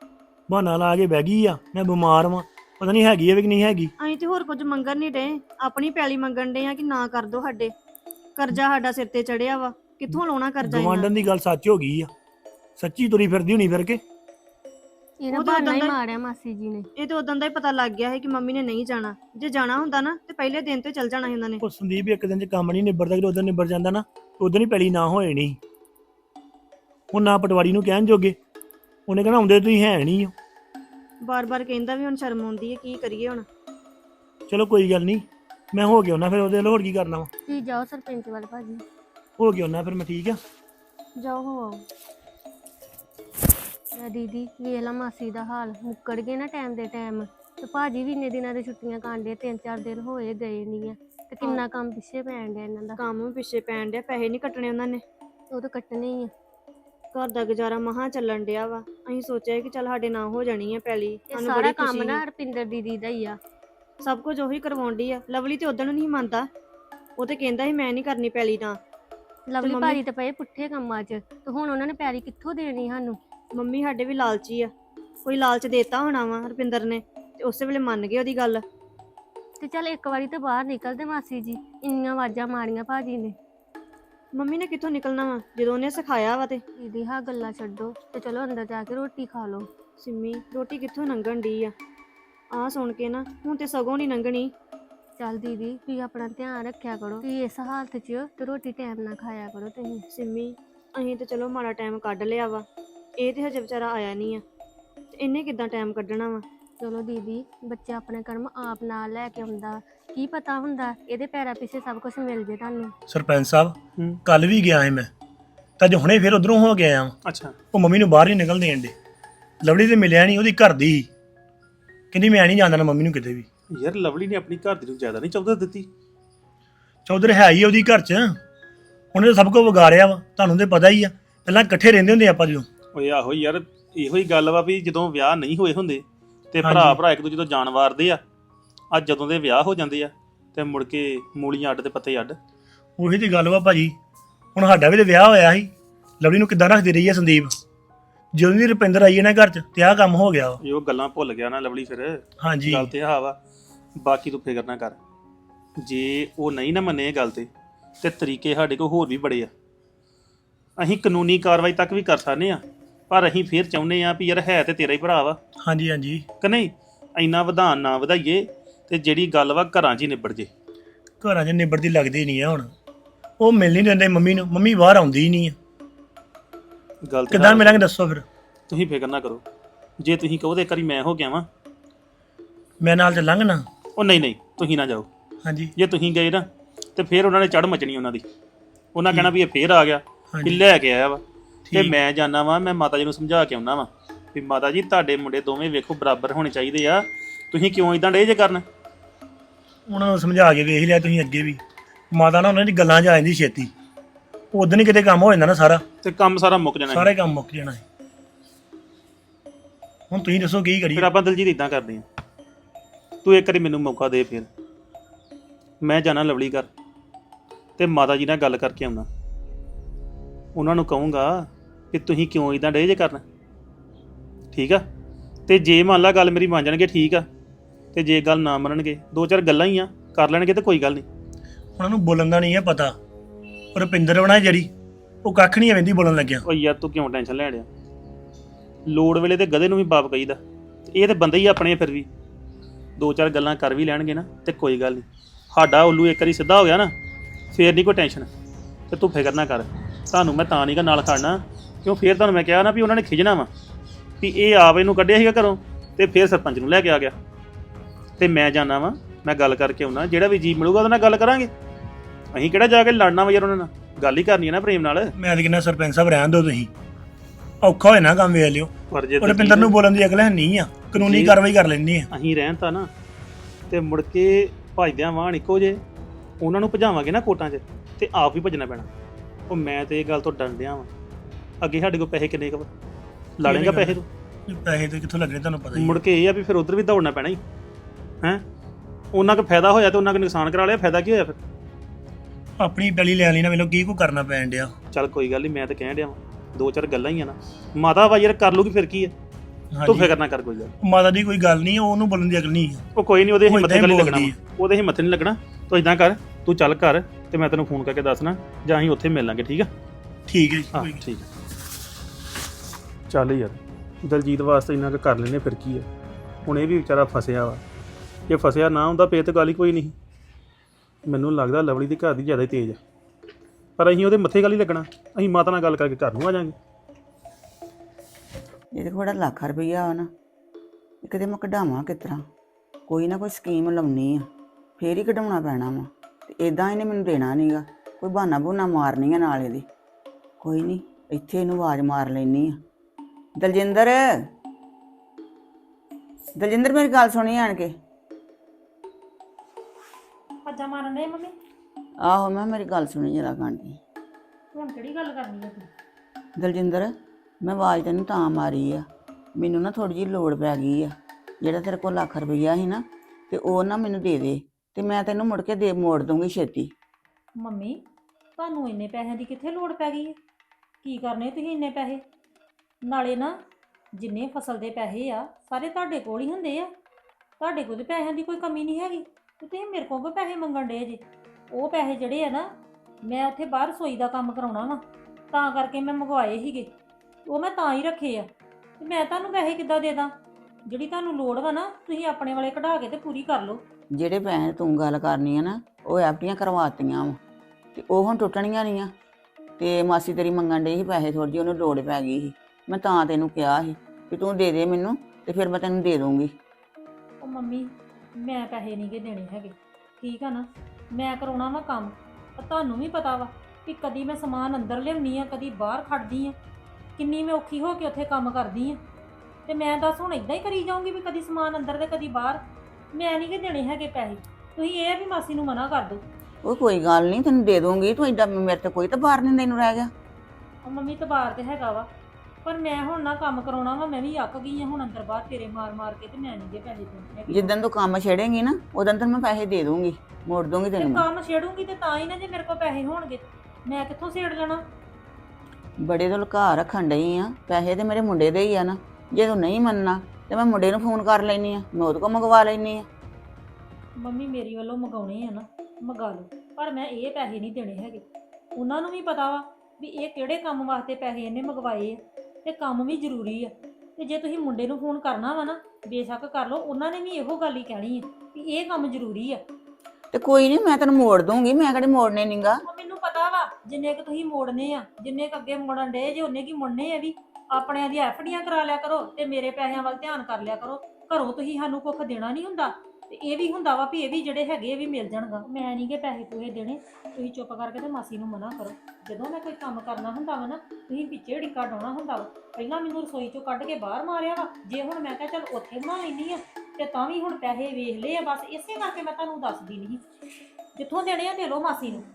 ਬਹਾਨਾ ਲਾ ਕੇ ਬਹਿ ਗਈ ਆ ਮੈਂ ਬਿਮਾਰ ਵਾਂ, ਪਤਾ ਨਹੀਂ ਹੈਗੀ ਆ ਵੀ ਕਿ ਨਹੀਂ ਹੈਗੀ।
ਅਸੀਂ ਤੇ ਹੋਰ ਕੁਝ ਮੰਗਣ ਨਹੀਂ ਡਏ, ਆਪਣੀ ਪੈਲੀ ਮੰਗਣ ਡਏ ਆ ਕਿ ਨਾ ਕਰ ਦੋ ਸਾਡੇ। ਕਰਜ਼ਾ ਸਾਡਾ ਸਿਰ ਤੇ ਚੜਿਆ ਵਾ, ਕਿੱਥੋਂ ਲਾਉਣਾ ਕਰਜ਼ਾ ਇਹਨਾਂ?
ਗਵਾਂਢਣ ਦੀ ਗੱਲ ਸੱਚ ਹੋ ਗਈ ਆ, ਸੱਚੀ ਤੁਰੀ ਫਿਰਦੀ ਹੋਣੀ ਫਿਰ ਕੇ।
ਇਹਨਾਂ
ਉਹਦੇ
ਬਹਾਨਾ ਹੀ
ਉਦੋਂ ਦਾ-
ਮਾਰਿਆ ਮਾਸੀ ਜੀ ਨੇ।
ਇਹ ਤੇ ਉਦੋਂ ਦਾ ਹੀ ਪਤਾ ਲੱਗ ਗਿਆ ਹੈ ਕਿ ਮੰਮੀ ਨੇ ਨਹੀਂ ਜਾਣਾ। ਜੇ ਜਾਣਾ ਹੁੰਦਾ ਨਾ ਤੇ ਪਹਿਲੇ ਦਿਨ ਤੇ ਚੱਲ ਜਾਣਾ ਸੀ ਉਹਨਾਂ ਨੇ।
ਉਹ ਸੰਦੀਪ ਇੱਕ ਦਿਨ ਚ ਕੰਮ ਨਹੀਂ ਨਿਬੜਦਾ, ਜਦੋਂ ਉਦੋਂ ਨਿਬੜ ਜਾਂਦਾ ਨਾ ਉਦੋਂ ਹੀ ਪੈਲੀ ਨਾ ਹੋਏ ਨਹੀਂ। ਉਹ ਨਾ ਪਟਵਾਰੀ ਨੂੰ ਕਹਿਣ ਜੋਗੇ, ਉਹਨੇ ਕਹਿਣਾ ਆਉਂਦੇ ਤੁਸੀਂ ਹੈ ਨਹੀਂ ਹੋ।
ਬਾਰ-ਬਾਰ ਕਹਿੰਦਾ ਵੀ ਹੁਣ ਸ਼ਰਮ ਆਉਂਦੀ ਹੈ, ਕੀ ਕਰੀਏ ਹੁਣ?
ਚਲੋ ਕੋਈ ਗੱਲ ਨਹੀਂ, ਮੈਂ ਹੋ ਗਿਆ ਉਹਨਾਂ ਫਿਰ ਉਹਦੇ ਨਾਲ ਹੋਰ ਕੀ ਕਰਨਾ ਵਾ।
ਤੁਸੀਂ ਜਾਓ ਸਰਪੰਚ ਵੱਲ ਭਾਜੀ।
ਹੋ ਗਿਆ ਉਹਨਾਂ ਫਿਰ ਮੈਂ ਠੀਕ ਆ।
ਜਾਓ ਹੋ ਆਓ। ਲੈ ਦੀਦੀ ਵੇਖ ਲਾ ਮਾਸੀ ਦਾ ਹਾਲ, ਮੁੱਕੜ ਗਏ ਨਾ ਟਾਈਮ ਦੇ ਟਾਈਮ। ਤੇ ਭਾਜੀ ਵੀ ਇੰਨੇ ਦਿਨਾਂ ਦੇ ਛੁੱਟੀਆਂ ਕਾਂਡੇ, ਤਿੰਨ ਚਾਰ ਦਿਨ ਹੋਏ ਗਏ ਨਹੀਂ ਆ। ਤੇ ਕਿੰਨਾ ਕੰਮ ਪਿੱਛੇ ਪੈਣ ਡਿਆ ਇਹਨਾਂ ਦਾ।
ਕੰਮ ਵੀ ਪਿੱਛੇ ਪੈਣ ਡਿਆ, ਪੈਸੇ ਨਹੀਂ ਕੱਟਣੇ ਉਹਨਾਂ ਨੇ।
ਉਹ ਤਾਂ ਕੱਟਣੇ ਹੀ ਆ।
ਘਰ ਦਾ ਗੁਜ਼ਾਰਾ ਮਹਾ ਚੱਲਣ ਡਿਆ ਵਾ। ਅਸੀਂ ਸੋਚਿਆ ਕਿ ਚੱਲ ਸਾਡੇ ਨਾਂ ਹੋ ਜਾਣੀ ਹੈ ਪੈਲੀ।
ਇਹ
ਸਾਨੂੰ
ਸਾਰਾ
ਬੜੀ
ਕੰਮ
ਖੁਸ਼ੀ
ਨਾ
ਸੀ।
ਹਰਪਿੰਦਰ ਦੀਦੀ ਦਾ ਹੀ ਆ।
ਸਭ ਕੁਝ ਉਹੀ ਕਰਵਾਉਂਦੀ ਆ। ਲਵਲੀ ਤੇ ਉਦੋਂ ਨਹੀਂ ਮੰਨਦਾ, ਉਹ ਤੇ ਕਹਿੰਦਾ ਸੀ ਮੈਂ ਨਹੀਂ ਕਰਨੀ ਪੈਲੀ ਤਾਂ।
ਲਵਲੀ
ਮੰਮੀ-
ਭਾਜੀ ਤੇ ਪਏ ਪੁੱਠੇ ਕੰਮਾਂ 'ਚ, ਤੇ ਹੁਣ ਉਹਨਾਂ ਨੇ ਪੈਰੀ ਕਿੱਥੋਂ ਦੇਣੀ ਸਾਨੂੰ?
ਮੰਮੀ ਸਾਡੇ ਵੀ ਲਾਲਚੀ ਆ, ਕੋਈ ਲਾਲਚ ਦੇਤਾ ਹੋਣਾ ਵਾ ਰੁਪਿੰਦਰ ਨੇ, ਤੇ ਉਸੇ ਵੇਲੇ ਮੰਨ ਗਏ ਉਹਦੀ ਗੱਲ।
ਤੇ ਚੱਲ ਇੱਕ ਵਾਰੀ ਤਾਂ ਬਾਹਰ ਨਿਕਲਦੇ ਮਾਸੀ ਜੀ, ਇੰਨੀਆਂ ਆਵਾਜ਼ਾਂ ਮਾਰੀਆਂ ਭਾਜੀ ਨੇ।
ਮੰਮੀ ਨੇ ਕਿੱਥੋਂ ਨਿਕਲਣਾ ਵਾ ਜਦੋਂ ਉਹਨੇ ਸਿਖਾਇਆ ਵਾ। ਤੇ
ਦੀਦੀ ਹਾਂ ਗੱਲਾਂ ਛੱਡੋ ਤੇ ਚਲੋ ਅੰਦਰ ਜਾ ਕੇ ਰੋਟੀ ਖਾ ਲਓ।
ਸਿੰਮੀ ਰੋਟੀ ਕਿੱਥੋਂ ਲੰਘਣ ਡਈ ਆ? ਆਹ ਸੁਣ ਕੇ ਨਾ ਹੁਣ ਤੇ ਸਗੋਂ ਨਹੀਂ ਲੰਘਣੀ।
ਚੱਲ ਦੀਦੀ ਤੁਸੀਂ ਆਪਣਾ ਧਿਆਨ ਰੱਖਿਆ ਕਰੋ, ਤੁਸੀਂ ਇਸ ਹਾਲਤ 'ਚ ਤੇ ਰੋਟੀ ਟਾਈਮ ਨਾਲ ਖਾਇਆ ਕਰੋ ਤੁਸੀਂ।
ਸਿੰਮੀ ਅਸੀਂ ਤੇ ਚਲੋ ਮਾੜਾ ਟਾਈਮ ਕੱਢ ਲਿਆ ਵਾ, ਇਹ ਤੇ ਹਜੇ ਵਿਚਾਰਾ ਆਇਆ ਨਹੀਂ ਆ, ਤੇ ਇਹਨੇ ਕਿੱਦਾਂ ਟਾਈਮ ਕੱਢਣਾ ਵਾ?
ਚਲੋ ਦੀਦੀ ਬੱਚਾ ਆਪਣੇ ਕਰਮ ਆਪ ਨਾਲ ਲੈ ਕੇ ਆਉਂਦਾ, ਕੀ ਪਤਾ ਹੁੰਦਾ ਇਹਦੇ ਪੈਰਾਂ ਪਿੱਛੇ ਸਭ ਕੁਝ ਮਿਲ ਜੇ ਤੁਹਾਨੂੰ।
ਸਰਪੰਚ ਸਾਹਿਬ ਕੱਲ ਵੀ ਗਿਆ ਸੀ ਮੈਂ, ਤਾਂ ਅੱਜ ਹੁਣੇ ਫਿਰ ਉਧਰੋਂ ਹੋ ਕੇ ਆਇਆ ਵਾਂ।
ਅੱਛਾ
ਉਹ ਮੰਮੀ ਨੂੰ ਬਾਹਰ ਨਹੀਂ ਨਿਕਲ ਦੇਣ ਦੇ। ਲਵਲੀ ਤੇ ਮਿਲਿਆ ਨਹੀਂ, ਉਹਦੀ ਘਰ ਦੀ ਸੀ। ਕਹਿੰਦੀ ਮੈਂ ਨਹੀਂ ਜਾਂਦਾ ਨਾ ਮੰਮੀ ਨੂੰ ਕਿਤੇ ਵੀ।
ਯਾਰ ਲਵਲੀ ਨੇ ਆਪਣੀ ਘਰ ਦੀ ਨੂੰ ਜ਼ਿਆਦਾ ਨਹੀਂ ਚੌਧਰ ਦਿੱਤੀ।
ਚੌਧਰ ਹੈ ਹੀ ਆ ਉਹਦੀ ਘਰ 'ਚ, ਉਹਨੇ ਤਾਂ ਸਭ ਕੁਝ ਵਿਗਾੜਿਆ ਵਾ। ਤੁਹਾਨੂੰ ਤੇ ਪਤਾ ਹੀ ਆ, ਪਹਿਲਾਂ ਇਕੱਠੇ ਰਹਿੰਦੇ ਹੁੰਦੇ ਆਪਾਂ ਜਦੋਂ।
ਓਏ ਆਹੋ ਯਾਰ, ਇਹੋ ਹੀ ਗੱਲ ਵਾ ਵੀ ਜਦੋਂ ਵਿਆਹ ਨਹੀਂ ਹੋਏ ਹੁੰਦੇ ਤੇ
ਹਾਂਜੀ।
ਭਰਾ ਭਰਾ ਇੱਕ ਦੂਜੇ ਤੋਂ ਜਾਨ ਵਾਰਦੇ ਆ। ਅੱਜ ਜਦੋਂ ਦੇ ਵਿਆਹ ਹੋ ਜਾਂਦੇ ਆ ਤੇ ਮੁੜ ਕੇ ਮੂਲੀਆਂ ਅੱਡ ਤੇ ਪੱਤੇ ਅੱਡ।
ਉਹੀ ਤੇ ਗੱਲ ਵਾ ਭਾਜੀ। ਹੁਣ ਸਾਡਾ ਵੀ ਤੇ ਵਿਆਹ ਹੋਇਆ ਸੀ, ਲਵਲੀ ਨੂੰ ਕਿੱਦਾਂ ਰੱਖਦੀ ਰਹੀ ਆ ਸੰਦੀਪ। ਜਦੋਂ ਦੀ ਰੁਪਿੰਦਰ ਆਈ ਹੈ ਨਾ ਘਰ 'ਚ ਤੇ ਆਹ ਕੰਮ ਹੋ ਗਿਆ ਵਾ।
ਇਹ ਉਹ ਗੱਲਾਂ ਭੁੱਲ ਗਿਆ ਨਾ ਲਵਲੀ ਫਿਰ।
ਹਾਂਜੀ
ਗੱਲ ਤੇ ਆਹ ਵਾ, ਬਾਕੀ ਤੂੰ ਫਿਕਰ ਨਾ ਕਰ। ਜੇ ਉਹ ਨਹੀਂ ਨਾ ਮੰਨੇ ਇਹ ਗੱਲ ਤੇ ਤੇ ਤਰੀਕੇ ਸਾਡੇ ਕੋਲ ਹੋਰ ਵੀ ਬੜੇ ਆ। ਅਸੀਂ ਕਾਨੂੰਨੀ ਕਾਰਵਾਈ ਤੱਕ ਵੀ ਕਰ ਸਕਦੇ ਆ, ਪਰ ਅਸੀਂ ਫੇਰ ਚਾਹੁੰਦੇ ਆ ਵੀ ਯਾਰ ਹੈ ਤੇ ਤੇਰਾ ਹੀ ਭਰਾ ਵਾ
ਹਾਂਜੀ ਹਾਂਜੀ
ਕਿ ਨਹੀਂ। ਇੰਨਾ ਵਧਾਨ ਨਾ ਵਧਾਈਏ ਤੇ ਜਿਹੜੀ ਗੱਲ ਵਾ ਘਰਾਂ 'ਚ ਹੀ ਨਿਬੜ ਜੇ।
ਘਰਾਂ 'ਚ ਨਿਬੜਦੀ ਲੱਗਦੀ ਨਹੀਂ ਆ ਹੁਣ। ਉਹ ਮਿਲ ਨਹੀਂ ਦਿੰਦੇ ਮੰਮੀ ਨੂੰ, ਮੰਮੀ ਬਾਹਰ ਆਉਂਦੀ ਹੀ ਨਹੀਂ ਆ।
ਗੱਲ ਤੇ
ਕਿੱਦਾਂ
ਆਹ-
ਮਿਲਾਂਗੇ ਦੱਸੋ ਫਿਰ?
ਤੁਸੀਂ ਫਿਕਰ ਨਾ ਕਰੋ, ਜੇ ਤੁਸੀਂ ਕਹੋ ਤੇ ਇੱਕ ਵਾਰੀ ਮੈਂ ਹੋ ਗਿਆ ਵਾਂ।
ਮੈਂ ਨਾਲ ਚੱਲਾਂਗਾ ਨਾ?
ਉਹ ਨਹੀਂ ਨਹੀਂ ਤੁਸੀਂ ਨਾ ਜਾਓ।
ਹਾਂਜੀ
ਜੇ ਤੁਸੀਂ ਗਏ ਨਾ ਤੇ ਫਿਰ ਉਹਨਾਂ ਨੇ ਚੜ ਮਚਣੀ ਉਹਨਾਂ ਦੀ। ਉਹਨਾਂ ਕਹਿਣਾ ਵੀ ਇਹ ਫੇਰ ਆ ਗਿਆ, ਵੀ
ਹਾਂਜੀ
ਲੈ ਕੇ ਆਇਆ ਵਾ। ਤੇ
ਠੀਕ।
ਮੈਂ ਜਾਣਾ ਵਾਂ, ਮੈਂ ਮਾਤਾ ਜੀ ਨੂੰ ਸਮਝਾ ਕੇ ਆਉਣਾ ਵਾਂ ਵੀ ਮਾਤਾ ਜੀ ਤੁਹਾਡੇ ਮੁੰਡੇ ਦੋਵੇਂ ਵੇਖੋ ਬਰਾਬਰ ਹੋਣੇ ਚਾਹੀਦੇ ਆ, ਤੁਸੀਂ ਕਿਉਂ ਇਦਾਂ ਡੇ ਜੇ ਕਰਨ।
ਉਹਨਾਂ ਨੂੰ ਸਮਝਾ ਕੇ ਵੇਖ ਲਿਆ ਤੁਸੀਂ ਅੱਗੇ ਵੀ। ਮਾਤਾ ਨਾ ਉਹਨਾਂ ਦੀ ਗੱਲਾਂ 'ਚ ਆ ਜਾਂਦੀ ਛੇਤੀ। ਉਦੋਂ ਹੀ ਕਿਤੇ ਕੰਮ ਹੋ ਜਾਂਦਾ ਨਾ ਸਾਰਾ,
ਤੇ ਕੰਮ ਸਾਰਾ ਮੁੱਕ ਜਾਣਾ ਸੀ।
ਸਾਰਾ ਹੀ ਕੰਮ ਮੁੱਕ ਜਾਣਾ ਹੈ। ਹੁਣ ਤੁਸੀਂ ਦੱਸੋ ਕੀ ਕਰੀਏ?
ਫਿਰ ਆਪਾਂ ਦਲਜੀਤ ਇਦਾਂ ਕਰਦੇ ਆ, ਤੂੰ ਇੱਕ ਵਾਰੀ ਮੈਨੂੰ ਮੌਕਾ ਦੇ। ਫਿਰ ਮੈਂ ਜਾਣਾ ਲਵਲੀ ਘਰ ਤੇ ਮਾਤਾ ਜੀ ਨਾਲ ਗੱਲ ਕਰਕੇ ਆਉਣਾ। ਉਹਨਾਂ ਨੂੰ ਕਹੂੰਗਾ ਕਿ ਤੁਸੀਂ ਕਿਉਂ ਇਦਾਂ ਡੇ ਜੇ ਕਰਨ, ਠੀਕ ਆ। ਤੇ ਜੇ ਮੰਨ ਲਾ ਗੱਲ ਮੇਰੀ ਮੰਨ ਜਾਣਗੇ ਠੀਕ ਆ, ਤੇ ਜੇ ਗੱਲ ਨਾ ਮੰਨਣਗੇ ਦੋ ਚਾਰ ਗੱਲਾਂ ਹੀ ਆ ਕਰ ਲੈਣਗੇ ਤੇ ਕੋਈ ਗੱਲ ਨਹੀਂ।
ਉਹਨਾਂ ਨੂੰ ਬੋਲਣ ਦਾ ਨਹੀਂ ਹੈ ਪਤਾ। ਰੁਪਿੰਦਰ ਬਣਾ ਜਿਹੜੀ, ਉਹ ਕੱਖ ਨਹੀਂ ਐਵੇਂ ਦੀ ਬੋਲਣ ਲੱਗਿਆ।
ਓ ਯਾਰ ਤੂੰ ਕਿਉਂ ਟੈਨਸ਼ਨ ਲੈ ਰਿਹਾ? ਲੋੜ ਵੇਲੇ ਤੇ ਗਧੇ ਨੂੰ ਵੀ ਬਾਪ ਕਹੀਦਾ। ਇਹ ਤੇ ਬੰਦੇ ਹੀ ਆਪਣੇ ਆ। ਫਿਰ ਵੀ ਦੋ ਚਾਰ ਗੱਲਾਂ ਕਰ ਵੀ ਲੈਣਗੇ ਨਾ ਤੇ ਕੋਈ ਗੱਲ ਨਹੀਂ। ਸਾਡਾ ਉੱਲੂ ਇੱਕ ਵਾਰੀ ਸਿੱਧਾ ਹੋ ਗਿਆ ਨਾ, ਫੇਰ ਨਹੀਂ ਕੋਈ ਟੈਨਸ਼ਨ। ਤੇ ਤੂੰ ਫਿਕਰ ਨਾ ਕਰ, ਤੁਹਾਨੂੰ ਮੈਂ ਤਾਂ ਨਹੀਂ ਗਾ ਨਾਲ ਖੜਨਾ, ਕਿਉਂ ਫੇਰ ਤੁਹਾਨੂੰ ਮੈਂ ਕਿਹਾ ਨਾ ਵੀ ਉਹਨਾਂ ਨੇ ਖਿਜਣਾ ਵਾ ਵੀ ਇਹ ਆਪ ਇਹਨੂੰ ਕੱਢਿਆ ਸੀਗਾ ਘਰੋਂ ਤੇ ਫੇਰ ਸਰਪੰਚ ਨੂੰ ਲੈ ਕੇ ਆ ਗਿਆ। ਤੇ ਮੈਂ ਜਾਣਾ ਵਾ, ਮੈਂ ਗੱਲ ਕਰਕੇ ਆਉਣਾ। ਜਿਹੜਾ ਵੀ ਜੀ ਮਿਲੂਗਾ ਉਹਦੇ ਨਾਲ ਗੱਲ ਕਰਾਂਗੇ। ਅਸੀਂ ਕਿਹੜਾ ਜਾ ਕੇ ਲੜਨਾ ਵਾ ਯਾਰ ਉਹਨਾਂ ਨਾਲ, ਗੱਲ ਹੀ ਕਰਨੀ ਹੈ ਨਾ ਪ੍ਰੇਮ ਨਾਲ।
ਮੈਂ ਤਾਂ ਕਹਿੰਦਾ ਸਰਪੰਚ ਸਾਹਿਬ ਰਹਿਣ ਦਿਓ ਤੁਸੀਂ, ਔਖਾ ਹੋਏ ਨਾ ਕੰਮ ਵੇਖ ਲਿਓ।
ਪਰ ਜੇ
ਰੁਪਿੰਦਰ ਨੂੰ ਬੋਲਣ ਦੀ ਅਕਲ ਹੈ ਨਹੀਂ ਆ, ਕਾਨੂੰਨੀ
ਜੀ।
ਕਾਰਵਾਈ ਕਰ ਲੈਣੀ ਆ।
ਅਸੀਂ ਰਹਿਣ ਤਾਂ ਨਾ ਤੇ ਮੁੜ ਕੇ ਭਜਦਿਆਂ ਵਾਹਣ ਇੱਕੋ ਜੇ ਉਹਨਾਂ ਨੂੰ ਭਜਾਵਾਂਗੇ ਨਾ ਕੋਟਾਂ 'ਚ ਤੇ ਆਪ ਹੀ ਭਜਣਾ ਪੈਣਾ। ਉਹ ਮੈਂ ਤੇ ਇਹ ਗੱਲ ਤੋਂ ਡਰਨ ਡਿਆ ਵਾਂ। ਅੱਗੇ ਸਾਡੇ ਕੋਲ ਪੈਸੇ ਕਿੰਨੇ ਕੁ ਲਾੜੇਗਾ ਪੈਸੇ ਤੋਂ?
ਪੈਸੇ ਤੇ ਕਿੱਥੋਂ ਲੱਗਣੇ ਤੁਹਾਨੂੰ ਪਤਾ ਹੀ
ਮੁੜ ਕੇ ਇਹ ਆ ਵੀ ਫਿਰ ਉਧਰ ਵੀ ਦੌੜਨਾ ਪੈਣਾ ਹੀ ਹੈ। ਉਹਨਾਂ ਕੁ ਫਾਇਦਾ ਹੋਇਆ ਤੇ ਉਹਨਾਂ ਕੁ ਨੁਕਸਾਨ ਕਰਾ ਲਿਆ, ਫਾਇਦਾ ਕੀ ਹੋਇਆ ਫਿਰ?
ਆਪਣੀ ਪੈਲੀ ਲੈ ਲਈ ਨਾ, ਵੇਲੋ ਕੀ ਕੋ ਕਰਨਾ ਪੈਣ ਡਿਆ।
ਚੱਲ ਕੋਈ ਗੱਲ ਨਹੀਂ, ਮੈਂ ਤਾਂ ਕਹਿਣ ਡਿਆ ਵਾਂ ਦੋ ਚਾਰ ਗੱਲਾਂ ਹੀ ਆ ਨਾ। ਮਾਤਾ ਵਾ ਯਾਰ ਕਰ ਲੂਗੀ ਫਿਰ ਕੀ ਹੈ। ਤੂੰ ਫਿਕਰ ਨਾ ਕਰ ਕੋਈ ਗੱਲ।
ਮਾਤਾ ਦੀ ਕੋਈ ਗੱਲ ਨਹੀਂ, ਉਹਨੂੰ ਬੋਲਣ ਦੀ ਅਕਲ ਨਹੀਂ ਹੈ।
ਉਹ ਕੋਈ ਨਹੀਂ, ਉਹਦੇ ਹੀ
ਉਹ
ਮੱਥੇ
ਏਦਾਂ ਹੀ
ਗਲੀ ਲੱਗਣਾ
ਬੋਲਦੀ
ਵਾ। ਉਹਦੇ ਹੀ ਮੱਥੇ ਨਹੀਂ ਲੱਗਣਾ। ਤੂੰ ਇਦਾਂ ਕਰ, ਤੂੰ ਚੱਲ ਘਰ ਤੇ ਮੈਂ ਤੈਨੂੰ ਫੋਨ ਕਰਕੇ ਦੱਸਣਾ, ਜਾਂ ਅਸੀਂ ਉੱਥੇ ਮਿਲ ਲਾਂਗੇ, ਠੀਕ ਆ?
ਠੀਕ ਹੈ ਜੀ,
ਹਾਂ
ਕੋਈ ਗੱਲ
ਠੀਕ ਆ। ਚੱਲ ਯਾਰ, ਦਲਜੀਤ ਵਾਸਤੇ ਇੰਨਾ ਕੁ ਕਰ ਲੈਨੇ, ਫਿਰ ਕੀ ਹੈ। ਹੁਣ ਇਹ ਵੀ ਵਿਚਾਰਾ ਫਸਿਆ ਵਾ। ਜੇ ਫਸਿਆ ਨਾ ਹੁੰਦਾ ਪੇ ਤਾਂ ਗੱਲ ਹੀ ਕੋਈ ਨਹੀਂ। ਮੈਨੂੰ ਲੱਗਦਾ ਲਵਲੀ ਦੀ ਘਰ ਦੀ ਜ਼ਿਆਦਾ ਹੀ ਤੇਜ਼ ਆ, ਪਰ ਅਸੀਂ ਉਹਦੇ ਮੱਥੇ ਗੱਲ ਹੀ ਲੱਗਣਾ। ਅਸੀਂ ਮਾਤਾ ਨਾਲ ਗੱਲ ਕਰਕੇ ਘਰ ਨੂੰ ਆ ਜਾਾਂਗੇ।
ਇਹਦੇ ਕੋਲ ਬੜਾ ਲੱਖ ਰੁਪਈਆ ਵਾ ਨਾ, ਇਹ ਕਿਤੇ ਮੈਂ ਕਢਾਵਾਂ ਕਿਸ ਤਰ੍ਹਾਂ? ਕੋਈ ਨਾ ਕੋਈ ਸਕੀਮ ਲਾਉਣੀ ਆ, ਫੇਰ ਹੀ ਕਢਾਉਣਾ ਪੈਣਾ ਵਾ। ਤੇ ਇਦਾਂ ਇਹਨੇ ਮੈਨੂੰ ਦੇਣਾ ਨਹੀਂਗਾ, ਕੋਈ ਬਹਾਨਾ ਬਹੂਨਾ ਮਾਰਨੀ ਆ ਨਾਲ ਇਹਦੀ। ਕੋਈ ਨਹੀਂ, ਇੱਥੇ ਇਹਨੂੰ ਆਵਾਜ਼ ਮਾਰ ਲੈਣੀ ਆ। ਦਲਜਿੰਦਰ, ਦਲਜਿੰਦਰ ਮੇਰੀ ਗੱਲ ਸੁਣੀ ਆਣ ਕੇ।
ਭੱਜਾ ਮਾਰਨ ਦੇ ਮੰਮੀ।
ਆਹੋ, ਮੈਂ ਮੇਰੀ ਗੱਲ ਸੁਣੀ ਜਰਾ ਕਾਂਟੀ।
ਹੁਣ ਕਿਹੜੀ ਗੱਲ ਕਰਨੀ ਹੈ ਤੂੰ?
ਦਲਜਿੰਦਰ, ਮੈਂ ਆਵਾਜ਼ ਤੈਨੂੰ ਤਾਂ ਮਾਰੀ ਆ, ਮੈਨੂੰ ਨਾ ਥੋੜੀ ਜਿਹੀ ਲੋੜ ਪੈ ਗਈ ਆ। ਜਿਹੜਾ ਤੇਰੇ ਕੋਲ ਲੱਖ ਰੁਪਈਆ ਸੀ ਨਾ, ਤੇ ਉਹ ਨਾ ਮੈਨੂੰ ਦੇ ਦੇ, ਤੇ ਮੈਂ ਤੈਨੂੰ ਮੁੜ ਕੇ ਦੇ ਮੋੜ ਦੂੰਗੀ ਛੇਤੀ।
ਮੰਮੀ, ਤੁਹਾਨੂੰ ਇੰਨੇ ਪੈਸਿਆਂ ਦੀ ਕਿੱਥੇ ਲੋੜ ਪੈ ਗਈ ਹੈ? ਕੀ ਕਰਨੇ ਤੁਸੀਂ ਇੰਨੇ ਪੈਸੇ? ਨਾਲੇ ਨਾ ਜਿੰਨੇ ਫਸਲ ਦੇ ਪੈਸੇ ਆ ਸਾਰੇ ਤੁਹਾਡੇ ਕੋਲ ਹੀ ਹੁੰਦੇ ਆ। ਤੁਹਾਡੇ ਕੋਲ ਤੇ ਪੈਸਿਆਂ ਦੀ ਕੋਈ ਕਮੀ ਨਹੀਂ ਹੈਗੀ, ਤੇ ਤੁਸੀਂ ਮੇਰੇ ਕੋਲ ਕੋਈ ਪੈਸੇ ਮੰਗਣ ਡੇ ਜੇ। ਉਹ ਪੈਸੇ ਜਿਹੜੇ ਆ ਨਾ, ਮੈਂ ਉੱਥੇ ਬਾਹਰ ਰਸੋਈ ਦਾ ਕੰਮ ਕਰਾਉਣਾ ਵਾ, ਤਾਂ ਕਰਕੇ ਮੈਂ ਮੰਗਵਾਏ ਸੀਗੇ। ਉਹ ਮੈਂ ਤਾਂ ਹੀ ਰੱਖੇ ਆ। ਤੇ ਮੈਂ ਤੁਹਾਨੂੰ ਪੈਸੇ ਕਿੱਦਾਂ ਦੇ ਦਾਂ? ਜਿਹੜੀ ਤੁਹਾਨੂੰ ਲੋੜ ਵਾ ਨਾ, ਤੁਸੀਂ ਆਪਣੇ ਵਾਲੇ ਕਢਾ ਕੇ ਤੇ ਪੂਰੀ ਕਰ ਲਓ।
ਜਿਹੜੇ ਪੈਸੇ ਤੂੰ ਗੱਲ ਕਰਨੀ ਆ ਨਾ, ਉਹ ਐਫਡੀਆਂ ਕਰਵਾਤੀਆਂ ਵਾ, ਤੇ ਉਹ ਹੁਣ ਟੁੱਟਣੀਆਂ ਨਹੀਂ ਆ। ਤੇ ਮਾਸੀ ਤੇਰੀ ਮੰਗਣ ਡਈ ਸੀ ਪੈਸੇ, ਥੋੜ੍ਹੀ ਜਿਹੀ ਉਹਨੂੰ ਲੋੜ ਪੈ ਗਈ ਸੀ। ਮੈਂ ਤਾਂ ਤੈਨੂੰ ਕਿਹਾ ਸੀ ਕਿ ਤੂੰ ਦੇ ਦੇ ਮੈਨੂੰ, ਤੇ ਫਿਰ ਮੈਂ ਤੈਨੂੰ ਦੇ ਦੂੰਗੀ।
ਉਹ ਮੰਮੀ, ਮੈਂ ਪੈਸੇ ਨਹੀਂ ਗੇ ਦੇਣੇ ਹੈਗੇ, ਠੀਕ ਆ ਨਾ? ਮੈਂ ਕਰਾਉਣਾ ਵਾ ਕੰਮ। ਤਾਂ ਤੁਹਾਨੂੰ ਵੀ ਪਤਾ ਵਾ ਕਿ ਕਦੀ ਮੈਂ ਸਮਾਨ ਅੰਦਰ ਲਿਆਉਣੀ ਆ, ਕਦੀ ਬਾਹਰ ਖੜਦੀ ਆ, ਕਿੰਨੀ ਮੈਂ ਔਖੀ ਹੋ ਕੇ ਉੱਥੇ ਕੰਮ ਕਰਦੀ ਆ। ਤੇ ਮੈਂ ਦੱਸ ਹੁਣ ਇਦਾਂ ਹੀ ਕਰੀ ਜਾਊਂਗੀ ਵੀ ਕਦੀ ਸਮਾਨ ਅੰਦਰ ਤੇ ਕਦੀ ਬਾਹਰ? ਮੈਂ ਨਹੀਂ ਗੇ ਦੇਣੇ ਹੈਗੇ ਪੈਸੇ। ਤੁਸੀਂ ਇਹ ਵੀ ਮਾਸੀ ਨੂੰ ਮਨਾ ਕਰ ਦਿਓ।
ਉਹ ਕੋਈ ਗੱਲ ਨਹੀਂ, ਤੈਨੂੰ ਦੇ ਦੂੰਗੀ। ਤੂੰ ਏਦਾਂ ਮੇਰੇ ਤੇ ਕੋਈ ਤਬਾਰ ਨਹੀਂ ਤੈਨੂੰ ਰਹਿ ਗਿਆ।
ਉਹ ਮੰਮੀ ਤਬਾਰ ਤੇ ਹੈਗਾ ਵਾ, ਪਰ ਮੈਂ ਹੁਣ ਨਾ ਕੰਮ ਕਰਾਉਣਾ ਵਾ। ਮੈਂ ਵੀ ਅੱਕ ਗਈ ਆ ਹੁਣ ਅੰਦਰ ਬਾਹਰ ਤੇਰੇ ਮਾਰ ਮਾਰ ਕੇ, ਤੇ ਮੈਂ ਨਹੀਂ ਗੇ ਪੈਸੇ ਦੇਣੇ ਹੈਗੇ।
ਜਿੱਦਣ ਤੂੰ ਕੰਮ ਛੇੜੇਂਗੀ ਨਾ, ਉਦੋਂ ਤੈਨੂੰ ਮੈਂ ਪੈਸੇ ਦੇ ਦੂੰਗੀ, ਮੋੜ ਦੂੰਗੀ
ਤੇ
ਤੈਨੂੰ ਮੈਂ।
ਕੰਮ ਛੇੜੂੰਗੀ ਤੇ ਤਾਂ ਹੀ ਨਾ, ਜੇ ਮੇਰੇ ਕੋਲ ਪੈਸੇ ਹੋਣਗੇ ਮੈਂ ਕਿੱਥੋਂ ਛੇੜ ਲੈਣਾ?
ਬੜੇ ਤੋਂ ਲੁਕਾ ਰੱਖਣ ਡਈ ਆ ਪੈਸੇ, ਤੇ ਮੇਰੇ ਮੁੰਡੇ ਦੇ ਹੀ ਆ ਨਾ। ਜੇ ਤੂੰ ਨਹੀਂ ਮੰਨਣਾ ਤੇ ਮੈਂ ਮੁੰਡੇ ਨੂੰ ਫੋਨ ਕਰ ਲੈਣੀ ਆ, ਮੈਂ ਉਹਦੇ ਕੋਲ ਮੰਗਵਾ ਲੈਣੀ ਆ।
ਮੰਮੀ, ਮੇਰੀ ਵੱਲੋਂ ਮੰਗਾਉਣੇ ਆ ਨਾ, ਮੰਗਾ ਲਓ, ਪਰ ਮੈਂ ਇਹ ਪੈਸੇ ਨਹੀਂ ਦੇਣੇ ਹੈਗੇ। ਉਹਨਾਂ ਨੂੰ ਵੀ ਪਤਾ ਵਾ ਵੀ ਇਹ ਕਿਹੜੇ ਕੰਮ ਵਾਸਤੇ ਪੈਸੇ ਇਹਨੇ ਮੰਗਵਾਏ ਆ, ਤੇ ਕੰਮ ਵੀ ਜ਼ਰੂਰੀ ਆ। ਤੇ ਜੇ ਤੁਸੀਂ ਮੁੰਡੇ ਨੂੰ ਫੋਨ ਕਰਨਾ ਵਾ ਨਾ, ਬੇਸ਼ੱਕ ਕਰ ਲਓ, ਉਹਨਾਂ ਨੇ ਵੀ ਇਹੋ ਗੱਲ ਹੀ ਕਹਿਣੀ ਆ ਵੀ ਇਹ ਕੰਮ ਜ਼ਰੂਰੀ ਆ।
ਤੇ ਕੋਈ ਨਹੀਂ, ਮੈਂ ਤੈਨੂੰ ਮੋੜ ਦੂੰਗੀ, ਮੈਂ ਕਿਹੜੇ ਮੋੜਨੇ ਨਹੀਂਗਾ।
ਉਹ ਮੈਨੂੰ ਪਤਾ ਵਾ ਜਿੰਨੇ ਕੁ ਤੁਸੀਂ ਮੋੜਨੇ ਆ, ਜਿੰਨੇ ਕੁ ਅੱਗੇ ਮੋੜਨ ਡੇ ਜੇ ਉਹਨੇ ਕੀ ਮੁੜਨੇ ਆ ਵੀ। ਆਪਣਿਆਂ ਦੀ ਐਫਡੀਆਂ ਕਰਾ ਲਿਆ ਕਰੋ, ਤੇ ਮੇਰੇ ਪੈਸਿਆਂ ਵੱਲ ਧਿਆਨ ਕਰ ਲਿਆ ਕਰੋ। ਘਰੋਂ ਤੁਸੀਂ ਸਾਨੂੰ ਕੁੱਖ ਦੇਣਾ ਨਹੀਂ ਹੁੰਦਾ, ਤੇ ਇਹ ਵੀ ਹੁੰਦਾ ਵਾ ਵੀ ਇਹ ਵੀ ਜਿਹੜੇ ਹੈਗੇ ਇਹ ਵੀ ਮਿਲ ਜਾਣਗਾ। ਮੈਂ ਨਹੀਂ ਗੇ ਪੈਸੇ ਪੂਏ ਦੇਣੇ। ਤੁਸੀਂ ਚੁੱਪ ਕਰਕੇ ਤੇ ਮਾਸੀ ਨੂੰ ਮਨਾ ਕਰੋ। ਜਦੋਂ ਮੈਂ ਕੋਈ ਕੰਮ ਕਰਨਾ ਹੁੰਦਾ ਵਾ ਨਾ, ਤੁਸੀਂ ਪਿੱਛੇ ਢਿੱਕਾ ਡਾਉਣਾ ਹੁੰਦਾ ਵਾ। ਪਹਿਲਾਂ ਮੈਨੂੰ ਰਸੋਈ ਚੋਂ ਕੱਢ ਕੇ ਬਾਹਰ ਮਾਰਿਆ ਵਾ। ਜੇ ਹੁਣ ਮੈਂ ਕਿਹਾ ਚੱਲ ਉੱਥੇ ਬਣਾ ਲੈਂਦੀ ਆ, ਤੇ ਤਾਂ ਵੀ ਹੁਣ ਪੈਸੇ ਵੇਖ ਲਏ ਆ। ਬਸ ਇਸੇ ਕਰਕੇ ਮੈਂ ਤੁਹਾਨੂੰ ਦੱਸਦੀ ਨਹੀਂ। ਜਿੱਥੋਂ ਦੇਣੇ ਆ ਦੇ ਲਓ ਮਾਸੀ ਨੂੰ।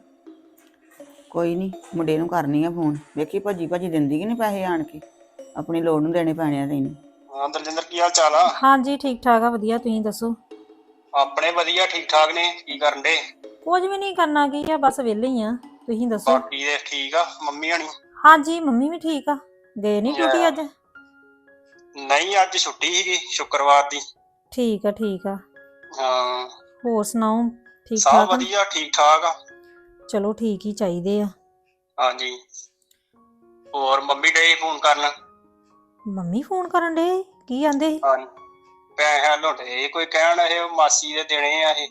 ਕੋਈ ਨਹੀਂ, ਮੁੰਡੇ ਨੂੰ ਕਰਨੀ ਆ ਫੋਨ, ਵੇਖੀ ਭੱਜੀ ਭੱਜੀ ਦਿੰਦੀ ਕਿ ਨਹੀਂ ਪੈਸੇ ਆਣ ਕੇ। ਆਪਣੀ ਲੋੜ ਨੂੰ ਦੇਣੇ ਪੈਣੇ ਆ ਤੈਨੂੰ।
ਹਾਂ ਦਲਜਿੰਦਰ, ਕੀ ਹਾਲ ਚਾਲ ਆ?
ਹਾਂਜੀ ਠੀਕ ਠਾਕ ਆ, ਵਧੀਆ। ਤੁਸੀਂ ਦੱਸੋ?
ਆਪਣੇ ਵਧੀਆ, ਠੀਕ ਠਾਕ ਨੇ। ਕੀ ਕਰਨ ਦੇ?
ਕੁਝ ਵੀ ਨਹੀਂ ਕਰਨਾ, ਕੀ ਆ, ਬਸ ਵਿਹਲੇ ਹੀ ਆ। ਤੁਸੀਂ ਦੱਸੋ?
ਬਾਕੀ ਦੇ ਠੀਕ ਆ? ਮੰਮੀ ਹਣੀ?
ਹਾਂਜੀ, ਮੰਮੀ ਵੀ ਠੀਕ ਆ। ਗਏ ਨਹੀਂ ਡਿਊਟੀ ਅੱਜ?
ਨਹੀਂ, ਅੱਜ ਛੁੱਟੀ ਸੀਗੀ, ਸ਼ੁੱਕਰਵਾਰ ਦੀ।
ਠੀਕ ਆ ਠੀਕ ਆ।
ਹਾਂ,
ਹੋਰ ਸੁਣਾਓ? ਠੀਕ
ਸਭ
ਠਾਕ ਆ?
ਵਧੀਆ, ਠੀਕ ਠਾਕ ਆ।
ਚਲੋ ਠੀਕ ਹੀ ਚਾਹੀਦੇ ਆ।
ਹਾਂਜੀ, ਹੋਰ ਮੰਮੀ ਡੇ ਫੋਨ ਕਰਨ?
ਮੰਮੀ ਫੋਨ ਕਰਨ ਡੇ? ਕੀ ਆਂਦੇ ਸੀ?
ਹਾਂ, ਪੈਸੇ ਲੁੱਟੇ ਕੋਈ ਕਹਿਣ, ਇਹ ਮਾਸੀ ਦੇ ਦੇਣੇ ਆ ਇਹ।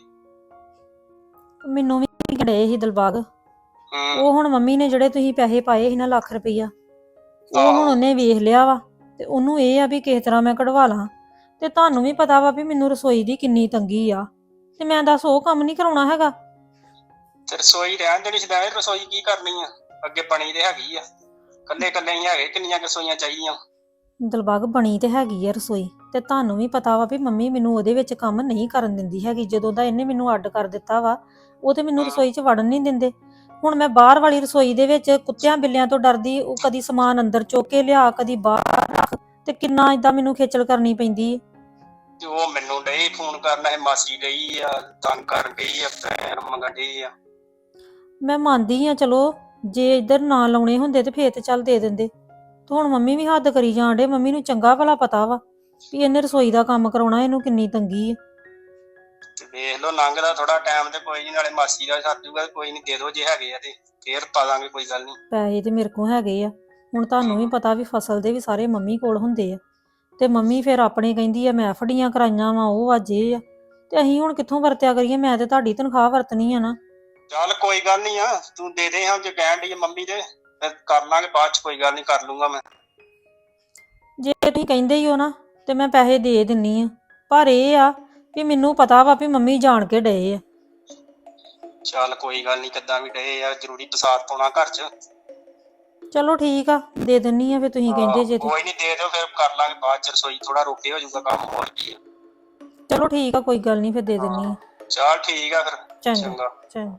ਮੈਨੂੰ ਵੀ ਗਏ ਸੀ ਦਿਲਬਾਗ।
ਹੂੰ,
ਉਹ ਹੁਣ ਮੰਮੀ ਨੇ ਜਿਹੜੇ ਤੁਸੀਂ ਪੈਸੇ ਪਾਏ ਸੀ ਨਾ, ਲੱਖ ਰੁਪਈਆ, ਉਹ ਹੁਣ
ਆਹੋ।
ਉਹਨੇ ਵੇਖ ਲਿਆ ਵਾ। ਤੇ ਉਹਨੂੰ ਇਹ ਆ ਵੀ ਕਿਸ ਤਰ੍ਹਾਂ ਮੈਂ ਕਢਵਾ ਲਾਂ। ਤੇ ਤੁਹਾਨੂੰ ਵੀ ਪਤਾ ਵਾ ਵੀ ਮੈਨੂੰ ਰਸੋਈ ਦੀ ਕਿੰਨੀ ਤੰਗੀ ਆ, ਤੇ ਮੈਂ ਦੱਸ ਉਹ ਕੰਮ ਨਹੀਂ ਕਰਾਉਣਾ ਹੈਗਾ।
ਤੇ ਰਸੋਈ ਰਹਿਣ ਦੇਣੀ ਛਦਾਏ, ਰਸੋਈ ਕੀ ਕਰਨੀ ਆ? ਅੱਗੇ ਬਣੀ ਤੇ ਹੈਗੀ ਆ, ਕੱਲੇ ਕੱਲੇ ਹੀ ਹੈਗੇ, ਕਿੰਨੀਆਂ ਰਸੋਈਆਂ ਚਾਹੀਦੀਆਂ?
ਦਿਲਬਾਗ ਬਣੀ ਤੇ ਹੈਗੀ ਆ ਰਸੋਈ, ਤੇ ਤੁਹਾਨੂੰ ਵੀ ਪਤਾ ਵਾ ਵੀ ਮੰਮੀ ਮੈਨੂੰ ਉਹਦੇ ਵਿੱਚ ਕੰਮ ਨਹੀਂ ਕਰਨ ਦਿੰਦੀ ਹੈਗੀ। ਜਦੋਂ ਦਾ ਇਹਨੇ ਮੈਨੂੰ ਅੱਡ ਕਰ ਦਿੱਤਾ ਵਾ, ਉਹ ਤੇ ਮੈਨੂੰ ਰਸੋਈ 'ਚ ਵੜਨ ਨਹੀਂ ਦਿੰਦੇ। ਹੁਣ ਮੈਂ ਬਾਹਰ ਵਾਲੀ ਰਸੋਈ ਦੇ ਵਿੱਚ ਕੁੱਤਿਆਂ ਬਿੱਲਿਆਂ ਤੋਂ ਡਰਦੀ, ਉਹ ਕਦੀ ਸਮਾਨ ਅੰਦਰ ਚੁੱਕ ਕੇ ਲਿਆ, ਕਦੀ ਬਾਹਰ ਰੱਖ, ਤੇ ਕਿੰਨਾ ਏਦਾਂ ਮੈਨੂੰ ਖੇਚਲ ਕਰਨੀ ਪੈਂਦੀ ਹੈ।
ਤੇ ਉਹ ਮੈਨੂੰ ਡਈ ਫੋਨ ਕਰਨਾ, ਇਹ ਮਾਸੀ ਡਈ ਆ ਤੰਗ ਕਰਨ ਡਈ ਆ, ਪੈਸੇ ਮੰਗਣ ਡਈ ਆ।
ਮੈਂ ਮੰਨਦੀ ਆ, ਚਲੋ ਜੇ ਇੱਧਰ ਨਾ ਲਾਉਣੇ ਹੁੰਦੇ ਤੇ ਫੇਰ ਤੇ ਚੱਲ ਦੇ ਦਿੰਦੇ। ਤੇ ਹੁਣ ਮੰਮੀ ਵੀ ਹੱਦ ਕਰੀ ਜਾਣ ਡੇ। ਮੰਮੀ ਨੂੰ ਚੰਗਾ ਭਲਾ ਪਤਾ ਵਾ ਵੀ ਇਹਨੇ ਰਸੋਈ ਦਾ ਕੰਮ ਕਰਾਉਣਾ, ਇਹਨੂੰ ਕਿੰਨੀ ਤੰਗੀ ਆ।
ਤੇ ਵੇਖ ਲਓ ਲੰਘਦਾ ਥੋੜਾ ਟਾਈਮ ਤੇ ਕੋਈ ਨਹੀਂ, ਨਾਲੇ ਮਾਸੀ ਦਾ ਸੱਦ ਜੂਗਾ, ਕੋਈ ਨਹੀਂ ਦੇ ਦਿਓ ਜੇ ਹੈਗੇ ਆ ਤੇ ਫੇਰ ਪਾ ਦਾਂਗੇ, ਕੋਈ ਗੱਲ ਨਹੀਂ।
ਪੈਸੇ ਤੇ ਮੇਰੇ ਕੋਲ ਹੈਗੇ ਆ, ਹੁਣ ਤੁਹਾਨੂੰ ਵੀ ਪਤਾ ਵੀ ਫਸਲ ਦੇ ਵੀ ਸਾਰੇ ਮੰਮੀ ਕੋਲ ਹੁੰਦੇ ਆ, ਤੇ ਮੰਮੀ ਫਿਰ ਆਪਣੇ ਕਹਿੰਦੀ ਆ ਮੈਂ ਫੜੀਆਂ ਕਰਾਈਆਂ ਵਾ, ਉਹ ਅੱਜ ਇਹ ਆ, ਤੇ ਅਸੀਂ ਹੁਣ ਕਿੱਥੋਂ ਵਰਤਿਆ ਕਰੀਏ? ਮੈਂ ਤੇ ਤੁਹਾਡੀ ਤਨਖਾਹ ਵਰਤਣੀ ਆ ਨਾ।
ਚੱਲ ਕੋਈ ਗੱਲ ਨਹੀਂ ਆ, ਤੂੰ ਦੇ ਦੇ ਹਾਂ ਜੇ ਕਹਿਣ ਡਈ ਆ ਮੰਮੀ ਦੇ, ਫਿਰ ਕਰ ਲਾਂਗੇ ਬਾਅਦ ਚ, ਕੋਈ ਗੱਲ ਨਹੀਂ, ਕਰ ਲੂੰਗਾ ਮੈਂ।
ਜੇ ਤੁਸੀਂ ਕਹਿੰਦੇ ਹੀ ਹੋ ਨਾ ਤੇ ਮੈਂ ਪੈਸੇ ਦੇ ਦਿੰਨੀ ਆ, ਪਰ ਇਹ ਆ ਵੀ ਮੈਨੂੰ ਪਤਾ ਵਾ ਵੀ ਮੰਮੀ ਜਾਣ ਕੇ ਡਏ ਆ।
ਚੱਲ ਕੋਈ ਗੱਲ ਨਹੀਂ, ਕਿੱਦਾਂ ਵੀ ਡਏ ਆ, ਜ਼ਰੂਰੀ ਪਸਾਰ ਪਾਉਣਾ ਘਰ ਚ।
ਚਲੋ ਠੀਕ ਆ, ਦੇ ਦਿੰਨੀ ਆ, ਫਿਰ ਤੁਸੀਂ ਕਹਿੰਦੇ ਜੇ ਤੇ।
ਕੋਈ ਨਹੀਂ, ਦੇ ਦਿਓ, ਫਿਰ ਕਰ ਲਾਂਗੇ ਬਾਅਦ ਚ, ਰਸੋਈ ਥੋੜਾ ਰੋਕੇ ਹੋ ਜਾਊਗਾ ਕੰਮ, ਹੋਰ ਕੀ ਆ।
ਚਲੋ ਠੀਕ ਆ, ਕੋਈ ਗੱਲ ਨਹੀਂ, ਫਿਰ ਦੇ ਦਿੰਨੀ ਆ।
ਚੱਲ ਠੀਕ ਆ ਫਿਰ।
ਚੰਗਾ ਚੰਗਾ।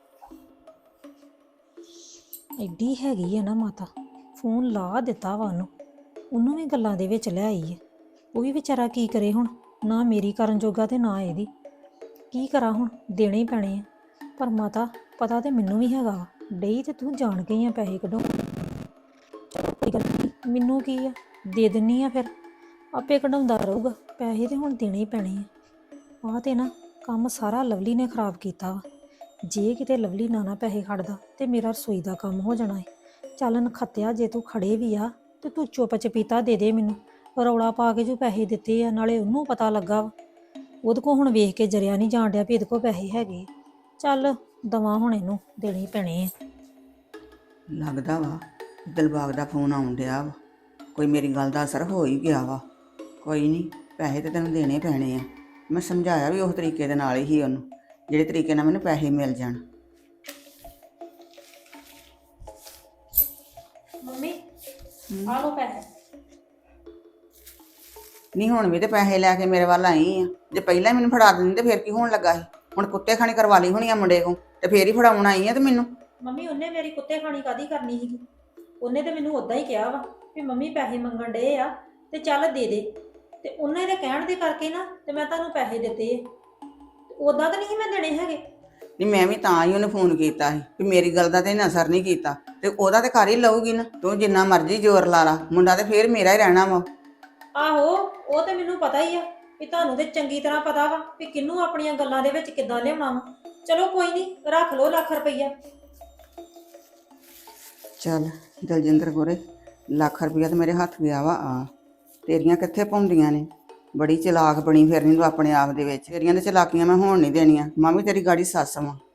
ਐਡੀ ਹੈਗੀ ਆ ਨਾ ਮਾਤਾ, ਫੋਨ ਲਾ ਦਿੱਤਾ ਵਾ ਉਹਨੂੰ, ਉਹਨੂੰ ਵੀ ਗੱਲਾਂ ਦੇ ਵਿੱਚ ਲੈ ਆਈ ਹੈ। ਉਹ ਵੀ ਵਿਚਾਰਾ ਕੀ ਕਰੇ ਹੁਣ, ਨਾ ਮੇਰੀ ਕਰਨ ਜੋਗਾ ਤੇ ਨਾ ਇਹਦੀ। ਕੀ ਕਰਾਂ ਹੁਣ, ਦੇਣੇ ਹੀ ਪੈਣੇ ਆ। ਪਰ ਮਾਤਾ ਪਤਾ ਤੇ ਮੈਨੂੰ ਵੀ ਹੈਗਾ ਵਾ, ਡਈ ਤੇ ਤੂੰ ਜਾਣ ਗਈ ਆ ਪੈਸੇ ਕਢਾਉਣ। ਚਲੋ ਕੋਈ ਗੱਲ ਨਹੀਂ, ਮੈਨੂੰ ਕੀ ਆ, ਦੇ ਦਿੰਨੀ ਆ, ਫਿਰ ਆਪੇ ਕਢਾਉਂਦਾ ਰਹੂਗਾ। ਪੈਸੇ ਤੇ ਹੁਣ ਦੇਣੇ ਹੀ ਪੈਣੇ ਆ। ਆਹ ਤੇ ਨਾ ਕੰਮ ਸਾਰਾ ਲਵਲੀ ਨੇ ਖਰਾਬ ਕੀਤਾ ਵਾ। ਜੇ ਕਿਤੇ ਲਵਲੀ ਨਾ ਨਾ ਪੈਸੇ ਖੜਦਾ ਤੇ ਮੇਰਾ ਰਸੋਈ ਦਾ ਕੰਮ ਹੋ ਜਾਣਾ ਹੈ। ਚੱਲ ਨਖੱਤਿਆ, ਜੇ ਤੂੰ ਖੜੇ ਵੀ ਆ ਤੇ ਤੂੰ ਚੁੱਪ ਚਪੀਤਾ ਦੇ ਦੇ ਮੈਨੂੰ। ਰੌਲਾ ਪਾ ਕੇ ਜੋ ਪੈਸੇ ਦਿੱਤੇ ਆ, ਨਾਲੇ ਉਹਨੂੰ ਪਤਾ ਲੱਗਾ ਵਾ, ਉਹਦੇ ਕੋਲ ਹੁਣ ਵੇਖ ਕੇ ਜਰਿਆ ਨਹੀਂ ਜਾਣ ਡਿਆ ਵੀ ਇਹਦੇ ਕੋਲ ਪੈਸੇ ਹੈਗੇ। ਚੱਲ ਦਵਾ ਹੁਣ, ਇਹਨੂੰ ਦੇਣੇ ਹੀ ਪੈਣੇ ਆ।
ਲੱਗਦਾ ਵਾ ਦਿਲਬਾਗ ਦਾ ਫੋਨ ਆਉਣ ਡਿਆ ਵਾ, ਕੋਈ ਮੇਰੀ ਗੱਲ ਦਾ ਅਸਰ ਹੋ ਹੀ ਗਿਆ ਵਾ। ਕੋਈ ਨਹੀਂ, ਪੈਸੇ ਤੇ ਤੈਨੂੰ ਦੇਣੇ ਪੈਣੇ ਆ। ਮੈਂ ਸਮਝਾਇਆ ਵੀ ਉਸ ਤਰੀਕੇ ਦੇ ਨਾਲ ਹੀ ਉਹਨੂੰ, ਜਿਹੜੇ ਤਰੀਕੇ ਨਾਲ ਮੈਨੂੰ ਪੈਸੇ ਮਿਲ ਜਾਣ।
ਮੰਮੀ ਆ ਲੋ ਪੈਸੇ।
ਨਹੀਂ ਹੁਣ ਵੀ ਤੇ ਪੈਸੇ ਲੈ ਕੇ ਮੇਰੇ ਵੱਲ ਆਈ ਆ। ਜੇ ਪਹਿਲਾਂ ਹੀ ਮੈਨੂੰ ਫੜਾ ਦਿੰਦੀ ਤੇ ਫਿਰ ਕੀ ਹੋਣ ਲੱਗਾ ਸੀ? ਹੁਣ ਕੁੱਤੇ ਖਾਣੀ ਕਰਵਾ ਲਈ ਹੋਣੀ ਆ ਮੁੰਡੇ ਕੋਲ, ਤੇ ਫੇਰ ਹੀ ਫੜਾਉਣ ਆਈ ਆ। ਤੇ ਮੈਨੂੰ
ਮੰਮੀ ਉਹਨੇ ਮੇਰੀ ਕੁੱਤੇ ਖਾਣੀ ਕਾਦੀ ਕਰਨੀ ਸੀਗੀ? ਉਹਨੇ ਤੇ ਮੈਨੂੰ ਉਦਾਂ ਹੀ ਕਿਹਾ ਵਾ ਵੀ ਮੰਮੀ ਪੈਸੇ ਮੰਗਣ ਡਏ ਆ ਤੇ ਚੱਲ ਦੇ ਦੇ, ਤੇ ਉਹਨੇ ਦੇ ਕਹਿਣ ਦੇ ਕਰਕੇ ਨਾ ਤੇ ਮੈਂ ਤੁਹਾਨੂੰ ਪੈਸੇ ਦਿੱਤੇ ਆ। ਉਦਾਂ ਤਾਂ ਨਹੀਂ ਮੈਂ ਦੇਣੇ ਹੈਗੇ।
ਨਹੀਂ ਮੈਂ ਵੀ ਤਾਂ ਹੀ ਉਹਨੂੰ ਫੋਨ ਕੀਤਾ ਸੀ ਵੀ ਮੇਰੀ ਗੱਲ ਦਾ ਤੇ ਇਹਨੇ ਅਸਰ ਨਹੀਂ ਕੀਤਾ, ਤੇ ਉਹਦਾ ਤੇ ਘਰ ਹੀ ਲਊਗੀ ਨਾ। ਤੂੰ ਜਿੰਨਾ ਮਰਜ਼ੀ ਜ਼ੋਰ ਲਾ ਲਾ, ਮੁੰਡਾ ਤੇ ਫੇਰ ਮੇਰਾ ਹੀ ਰਹਿਣਾ ਵਾ।
ਆਹੋ, ਉਹ ਤੇ ਮੈਨੂੰ ਪਤਾ ਹੀ ਆ ਵੀ ਤੁਹਾਨੂੰ ਤੇ ਚੰਗੀ ਤਰ੍ਹਾਂ ਪਤਾ ਵਾ ਵੀ ਕਿਹਨੂੰ ਆਪਣੀਆਂ ਗੱਲਾਂ ਦੇ ਵਿੱਚ ਕਿੱਦਾਂ ਲਿਆਉਣਾ ਵਾ। ਚਲੋ ਕੋਈ ਨਹੀਂ, ਰੱਖ ਲਓ ਲੱਖ ਰੁਪਈਆ।
ਚੱਲ ਦਲਜਿੰਦਰ ਗੋਰੇ, ਲੱਖ ਰੁਪਈਆ ਤੇ ਮੇਰੇ ਹੱਥ ਗਿਆ ਵਾ। ਆ ਤੇਰੀਆਂ ਕਿੱਥੇ ਪਾਉਂਦੀਆਂ ਨੇ? ਬੜੀ ਚਲਾਕ ਬਣੀ ਫਿਰਨੀ ਤੂੰ ਆਪਣੇ ਆਪ ਦੇ ਵਿੱਚ। ਤੇਰੀਆਂ ਤੇ ਚਲਾਕੀਆਂ ਮੈਂ ਹੋਣ ਨਹੀਂ ਦੇਣੀਆਂ। ਮਾਮੀ ਤੇਰੀ ਗਾੜੀ ਸੱਸ ਵਾਂ।